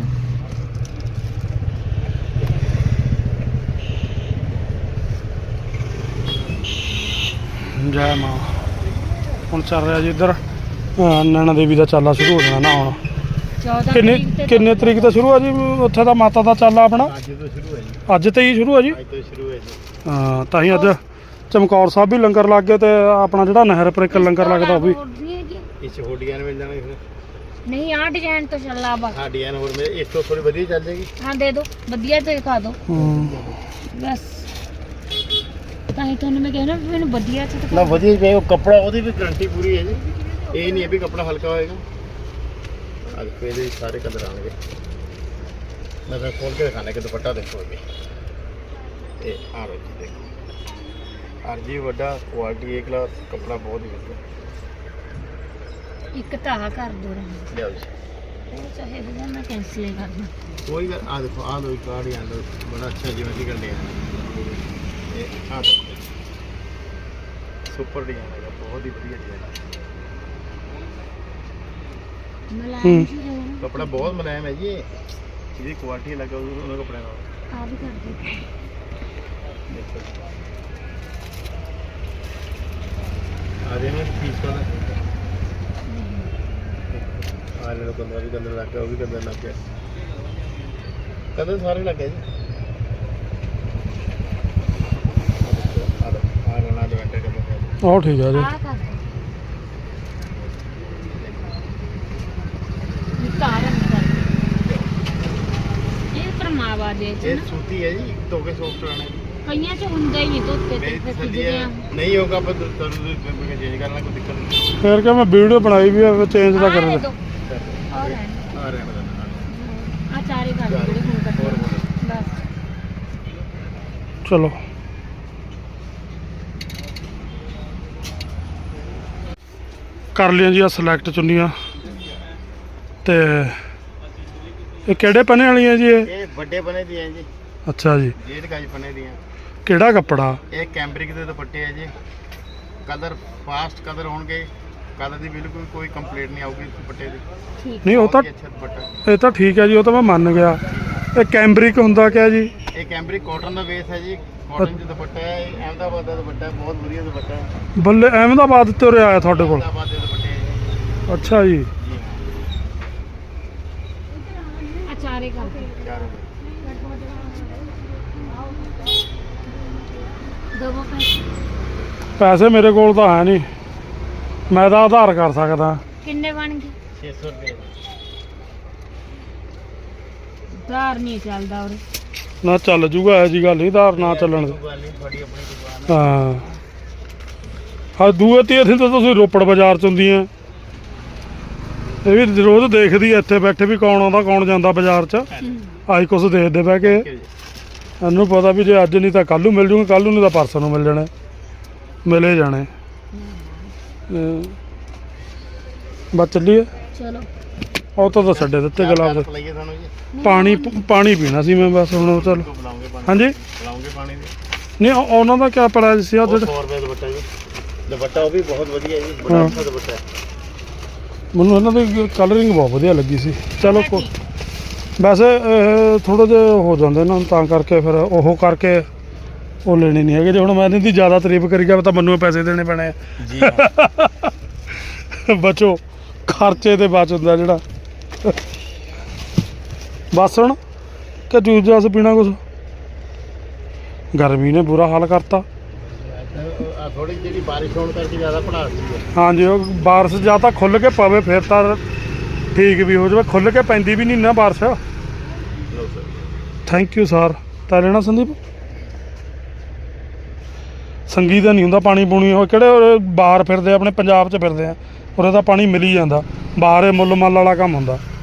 [SPEAKER 3] ਜੈ ਮਾਂ। ਹੁਣ ਚੱਲ ਰਿਹਾ ਜੀ ਇੱਧਰ ਨੈਣਾ ਦੇਵੀ ਦਾ ਚਾਲਾ ਸ਼ੁਰੂ ਹੋ ਜਾਣਾ ਨਾ ਹੁਣ।
[SPEAKER 2] 14
[SPEAKER 3] ਕਿੰਨੇ
[SPEAKER 2] ਤਰੀਕ ਤੇ
[SPEAKER 3] ਕਿੰਨੇ ਤਰੀਕ ਤੋਂ ਸ਼ੁਰੂ ਆ ਜੀ ਉੱਥੇ ਦਾ ਮਾਤਾ ਦਾ ਚਾਲਾ ਆਪਣਾ?
[SPEAKER 4] आज तो शुरू है जी।
[SPEAKER 3] ਅੱਜ ਤੇ ਹੀ ਸ਼ੁਰੂ ਆ ਜੀ।
[SPEAKER 4] आज तो शुरू है जी।
[SPEAKER 3] ਹਾਂ ਤਾਂ ਹੀ ਅੱਜ ਚਮਕੌਰ ਸਾਹਿਬ ਵੀ ਲੰਗਰ ਲੱਗ ਗਏ, ਤੇ ਆਪਣਾ ਜਿਹੜਾ ਨਹਿਰ ਪਰ ਇੱਕ ਲੰਗਰ ਲੱਗਦਾ ਉਹ ਵੀ।
[SPEAKER 2] ਹੋਰ ਵੀ ਹੈਗੀ।
[SPEAKER 4] इस हो डिजाइन मिल जाएंगे फिर।
[SPEAKER 2] ਨਹੀਂ ਆ ਡਿਜ਼ਾਈਨ ਤੋਂ ਚੱਲਾ ਬਾ।
[SPEAKER 4] हाँ डिजाइन और में इस तो थोड़ी बढ़िया चल जाएगी।
[SPEAKER 2] ਹਾਂ ਦੇ ਦਿਓ, ਵਧੀਆ ਤੋਂ ਦਿਖਾ ਦਿਓ ਬਸ। ਤਾਂ ਹੀ ਤੁਹਾਨੂੰ ਮੈਂ ਕਹਿਣਾ ਵੀ ਮੈਨੂੰ ਵਧੀਆ ਚ ਦਿਖਾ
[SPEAKER 4] ना बढ़िया पे वो कपड़ा ओदी भी गारंटी पूरी है जी। ये नहीं है भी कपड़ा हल्का होएगा। आज पहले सारे कलर आएंगे। मैं फिर खोल के दिखाने के दुपट्टा देखो अभी। ये आ लो जी देखो। आरजी बड़ा क्वालिटी एक क्लास कपड़ा बहुत ही बढ़िया।
[SPEAKER 2] ਇੱਕ ਤਾਂ ਆਹ कर ਦੋ ਰਹਿਣ।
[SPEAKER 4] ले आओ जी।
[SPEAKER 2] ਉਹ ਚਾਹੇ ਵੀ ਮੈਂ ਕੈਂਸਲ ਹੀ ਕਰ ਦਾਂ।
[SPEAKER 4] कोई आ देखो आ लो कार्ड आ लो बड़ा अच्छा जीवन की कर लिया। ये आ देखो सुपर डिजाइन है बहुत ही बढ़िया डिजाइन।
[SPEAKER 2] ਮਲਾਈ ਜੀ ਦੇ
[SPEAKER 4] कपड़ा बहुत मुलायम है जी। ये क्वालिटी अलग है उन कपड़े का।
[SPEAKER 2] ਆ ਵੀ ਕਰ ਦਿਓ।
[SPEAKER 4] देखो आ रहे हैं पीस वाला। आ ले लो 15 भी कंदर लग गया वो भी कंदर लग गया। ਕਦੇ ਸਾਰੇ ਲੱਗੇ ਜੀ ਆ ਰਣਾ ਦੇ ਵੈਂਟੇ ਕਦੇ
[SPEAKER 3] ਉਹ ਠੀਕ ਆ ਜੀ।
[SPEAKER 2] ਆਹ ਕਰ ਤਾਰਨ ਕਰ ਇਹ ਪਰਮਾਵਾ ਦੇ ਚ
[SPEAKER 4] ਇਹ
[SPEAKER 2] ਨਾ
[SPEAKER 4] ਸੂਤੀ ਹੈ ਜੀ ਧੋਕੇ ਸੌਫਟ ਰਹਿਣਾ ਜੀ
[SPEAKER 2] ਕਈਆਂ ਚ ਹੁੰਦਾ ਹੀ ਨਹੀਂ ਧੋਤੇ
[SPEAKER 4] ਮੇਰੀ
[SPEAKER 2] ਤੇ
[SPEAKER 4] ਤਸੱਲੀ
[SPEAKER 2] ਖਿੱਚਦੇ
[SPEAKER 4] ਹੈ
[SPEAKER 2] ਆ
[SPEAKER 4] ਨਹੀਂ ਹੋਗਾ ਪਰ ਤੁਹਾਨੂੰ ਚੇਂਜ ਕਰਨਾ ਕੋਈ ਦਿੱਕਤ ਨਹੀਂ
[SPEAKER 3] ਫਿਰ ਕਿ ਮੈਂ ਵੀਡੀਓ ਬਣਾਈ ਵੀ ਆ ਚੇਂਜ ਤਾਂ ਕਰੇ
[SPEAKER 2] ਆ
[SPEAKER 4] ਆ ਰਹਿਣ ਦਾ
[SPEAKER 2] ਆ ਚਾਰੇ ਕਰ ਦੇ ਜਿਹੜੇ ਹੁਣ ਕੱਟੇ
[SPEAKER 4] ਹੋਰ
[SPEAKER 2] ਬਸ
[SPEAKER 3] ਚਲੋ ਕਰ ਲਿਆ ਜੀ ਆ ਸਿਲੈਕਟ ਚੁੰਨੀਆਂ ਤੇ ਇਹ ਕਿਹੜੇ ਪਨੇ ਵਾਲੀਆਂ ਜੀ ਇਹ?
[SPEAKER 4] ਵੱਡੇ ਬਣੇ ਦੀ ਹੈ ਜੀ
[SPEAKER 3] ਅੱਛਾ ਜੀ।
[SPEAKER 4] ਜੇਡ ਗਾਜ ਬਣੇ ਦੀਆਂ
[SPEAKER 3] ਕਿਹੜਾ ਕੱਪੜਾ?
[SPEAKER 4] ਇਹ ਕੈਂਬਰਿਕ ਦੇ ਦੁਪੱਟੇ ਹੈ ਜੀ ਕਲਰ ਫਾਸਟ ਕਲਰ ਹੋਣਗੇ ਕਲਰ ਦੀ ਬਿਲਕੁਲ ਕੋਈ ਕੰਪਲੇਂਟ ਨਹੀਂ ਆਊਗੀ ਦੁਪੱਟੇ ਦੀ
[SPEAKER 2] ਠੀਕ
[SPEAKER 3] ਨਹੀਂ ਉਹ ਤਾਂ
[SPEAKER 4] ਬਹੁਤ ਹੀ ਅੱਛਾ ਦੁਪੱਟਾ
[SPEAKER 3] ਇਹ ਤਾਂ ਠੀਕ ਹੈ ਜੀ, ਉਹ ਤਾਂ ਮੈਂ ਮੰਨ ਗਿਆ। ਇਹ ਕੈਂਬਰਿਕ ਹੁੰਦਾ ਕਿਆ ਜੀ?
[SPEAKER 4] ਇਹ ਕੈਂਬਰਿਕ ਕਾਟਨ ਦਾ ਬੇਸ ਹੈ ਜੀ ਕਾਟਨ ਚ ਦੁਪੱਟਾ ਹੈ ਇਹ ਅਹਿਮਦਾਬਾਦ ਦਾ ਦੁਪੱਟਾ ਹੈ ਬਹੁਤ ਵਧੀਆ ਦੁਪੱਟਾ ਹੈ
[SPEAKER 3] ਬੱਲੇ ਅਹਿਮਦਾਬਾਦ ਤੋਂ ਉਰੇ ਆਇਆ ਤੁਹਾਡੇ ਕੋਲ?
[SPEAKER 4] ਅਹਿਮਦਾਬਾਦ ਦੇ ਦੁਪੱਟੇ ਹੈ
[SPEAKER 3] ਅੱਛਾ ਜੀ।
[SPEAKER 4] ਜੀ
[SPEAKER 2] ਆ ਚਾਰੇ ਕਰ ਦੇ
[SPEAKER 4] ਚਾਰ
[SPEAKER 2] ਦੋ ਪੈਸੇ
[SPEAKER 3] ਪੈਸੇ ਮੇਰੇ ਕੋਲ ਤਾਂ ਹੈ ਨਹੀਂ, ਮੈਂ ਤਾਂ ਆਧਾਰ ਕਰ ਸਕਦਾ।
[SPEAKER 2] ਕਿੰਨੇ ਬਣ ਗਏ
[SPEAKER 4] 600 ਰੁਪਏ
[SPEAKER 2] ਧਾਰ ਨਹੀਂ ਚੱਲਦਾ ਉਰੇ
[SPEAKER 3] ਨਾ ਚੱਲ ਜੂਗਾ ਇਹ ਜੀ ਗੱਲ ਨਹੀਂ, ਆਧਾਰ ਨਾ ਚੱਲਣ ਦੇ।
[SPEAKER 4] ਗੱਲ ਨਹੀਂ ਤੁਹਾਡੀ ਆਪਣੀ ਦੁਕਾਨ
[SPEAKER 3] ਹਾਂ ਹਾਂ ਦੂਏ ਤੀਏ ਤਾਂ ਤੁਸੀਂ ਰੋਪੜ ਬਾਜ਼ਾਰ ਚ ਹੁੰਦੀਆਂ, ਇਹ ਵੀ ਰੋਜ਼ ਦੇਖਦੀ ਐ ਇੱਥੇ ਬੈਠੇ ਵੀ ਕੌਣ ਆਉਂਦਾ ਕੌਣ ਜਾਂਦਾ ਬਾਜ਼ਾਰ ਚ। ਆਈ ਕੁਛ ਦੇਖਦੇ ਬਹਿ ਕੇ, ਇਹਨੂੰ ਪਤਾ ਵੀ ਜੇ ਅੱਜ ਨਹੀਂ ਤਾਂ ਕੱਲ੍ਹ ਨੂੰ ਮਿਲ ਜੂਗੇ, ਕੱਲ੍ਹ ਨੂੰ ਨਹੀਂ ਤਾਂ ਪਰਸੋਂ ਨੂੰ ਮਿਲ ਜਾਣੇ, ਮਿਲੇ ਜਾਣੇ। ਬਸ ਚੱਲੀਏ,
[SPEAKER 2] ਚਲੋ
[SPEAKER 3] ਉਹ ਤਾਂ ਛੱਡੇ ਦਿੱਤੇ ਗੁਲਾਬ ਦੇ।
[SPEAKER 4] ਲਈਏ ਤੁਹਾਨੂੰ ਜੀ
[SPEAKER 3] ਪਾਣੀ ਪੀਣਾ ਸੀ ਮੈਂ ਬਸ ਹੁਣ। ਚੱਲ
[SPEAKER 4] ਬੁਲਾਉਂਗੇ ਪਾਣੀ
[SPEAKER 3] ਹਾਂਜੀ
[SPEAKER 4] ਬੁਲਾਉਂਗੇ ਪਾਣੀ ਦੀ
[SPEAKER 3] ਨਹੀਂ ਉਹਨਾਂ ਦਾ ਕਿਆ ਪ੍ਰਾਈਸ ਸੀ? ਉਹ
[SPEAKER 4] 100 ਰੁਪਏ ਦੁਪੱਟਾ ਜੀ ਦੁਪੱਟਾ ਉਹ ਵੀ ਬਹੁਤ ਵਧੀਆ ਜੀ ਬੜਾ ਅੱਛਾ ਦੁਪੱਟਾ ਹੈ
[SPEAKER 3] ਮੈਨੂੰ ਇਹਨਾਂ ਦੀ ਕਲਰਿੰਗ ਬਹੁਤ ਵਧੀਆ ਲੱਗੀ ਸੀ। ਚਲੋ ਵੈਸੇ ਥੋੜ੍ਹਾ ਜਿਹਾ ਹੋ ਜਾਂਦੇ ਨਾ ਤਾਂ ਕਰਕੇ ਫਿਰ ਉਹ ਕਰਕੇ ਉਹ ਲੈਣੇ ਨਹੀਂ ਹੈਗੇ। ਜੇ ਹੁਣ ਮੈਂ ਇਹਨਾਂ ਦੀ ਜ਼ਿਆਦਾ ਤਾਰੀਫ ਕਰੀ ਗਿਆ ਤਾਂ ਮੈਨੂੰ ਪੈਸੇ ਦੇਣੇ ਪੈਣੇ ਆ
[SPEAKER 4] ਜੀ
[SPEAKER 3] ਬਚੋ, ਖਰਚੇ ਤੇ ਬਚ ਹੁੰਦਾ ਜਿਹੜਾ। ਬਸ ਹੁਣ ਕਿ ਜੂਸ ਜਾਸ ਪੀਣਾ ਕੁਛ? ਗਰਮੀ ਨੇ ਬੁਰਾ ਹਾਲ ਕਰਤਾ।
[SPEAKER 4] ਥੋੜੀ ਜਿਹੜੀ ਬਾਰਿਸ਼ ਹੋਣ ਕਰਕੇ ਜ਼ਿਆਦਾ ਪੜਾਸ ਸੀ
[SPEAKER 3] ਹਾਂਜੀ ਉਹ ਬਾਰਿਸ਼ ਜਾਂ ਤਾਂ ਖੁੱਲ੍ਹ ਕੇ ਪਵੇ ਫਿਰ ਤਾਂ ਠੀਕ ਵੀ ਹੋ ਜਾਵੇ, ਖੁੱਲ੍ਹ ਕੇ ਪੈਂਦੀ ਵੀ ਨਹੀਂ ਨਾ ਬਾਰਿਸ਼। Thank you sir. ਤਾਂ ਲੈਣਾ ਸੰਦੀਪ? ਸੰਗੀ ਦਾ ਨਹੀਂ ਹੁੰਦਾ ਪਾਣੀ ਪੂਣੀ, ਉਹ ਕਿਹੜੇ ਬਾਹਰ ਫਿਰਦੇ ਆਪਣੇ ਪੰਜਾਬ 'ਚ ਫਿਰਦੇ ਆ, ਉਰੇ ਤਾਂ ਪਾਣੀ ਮਿਲ ਹੀ ਜਾਂਦਾ, ਬਾਹਰ ਇਹ ਮੁੱਲ ਮੱਲ ਵਾਲਾ ਕੰਮ ਹੁੰਦਾ।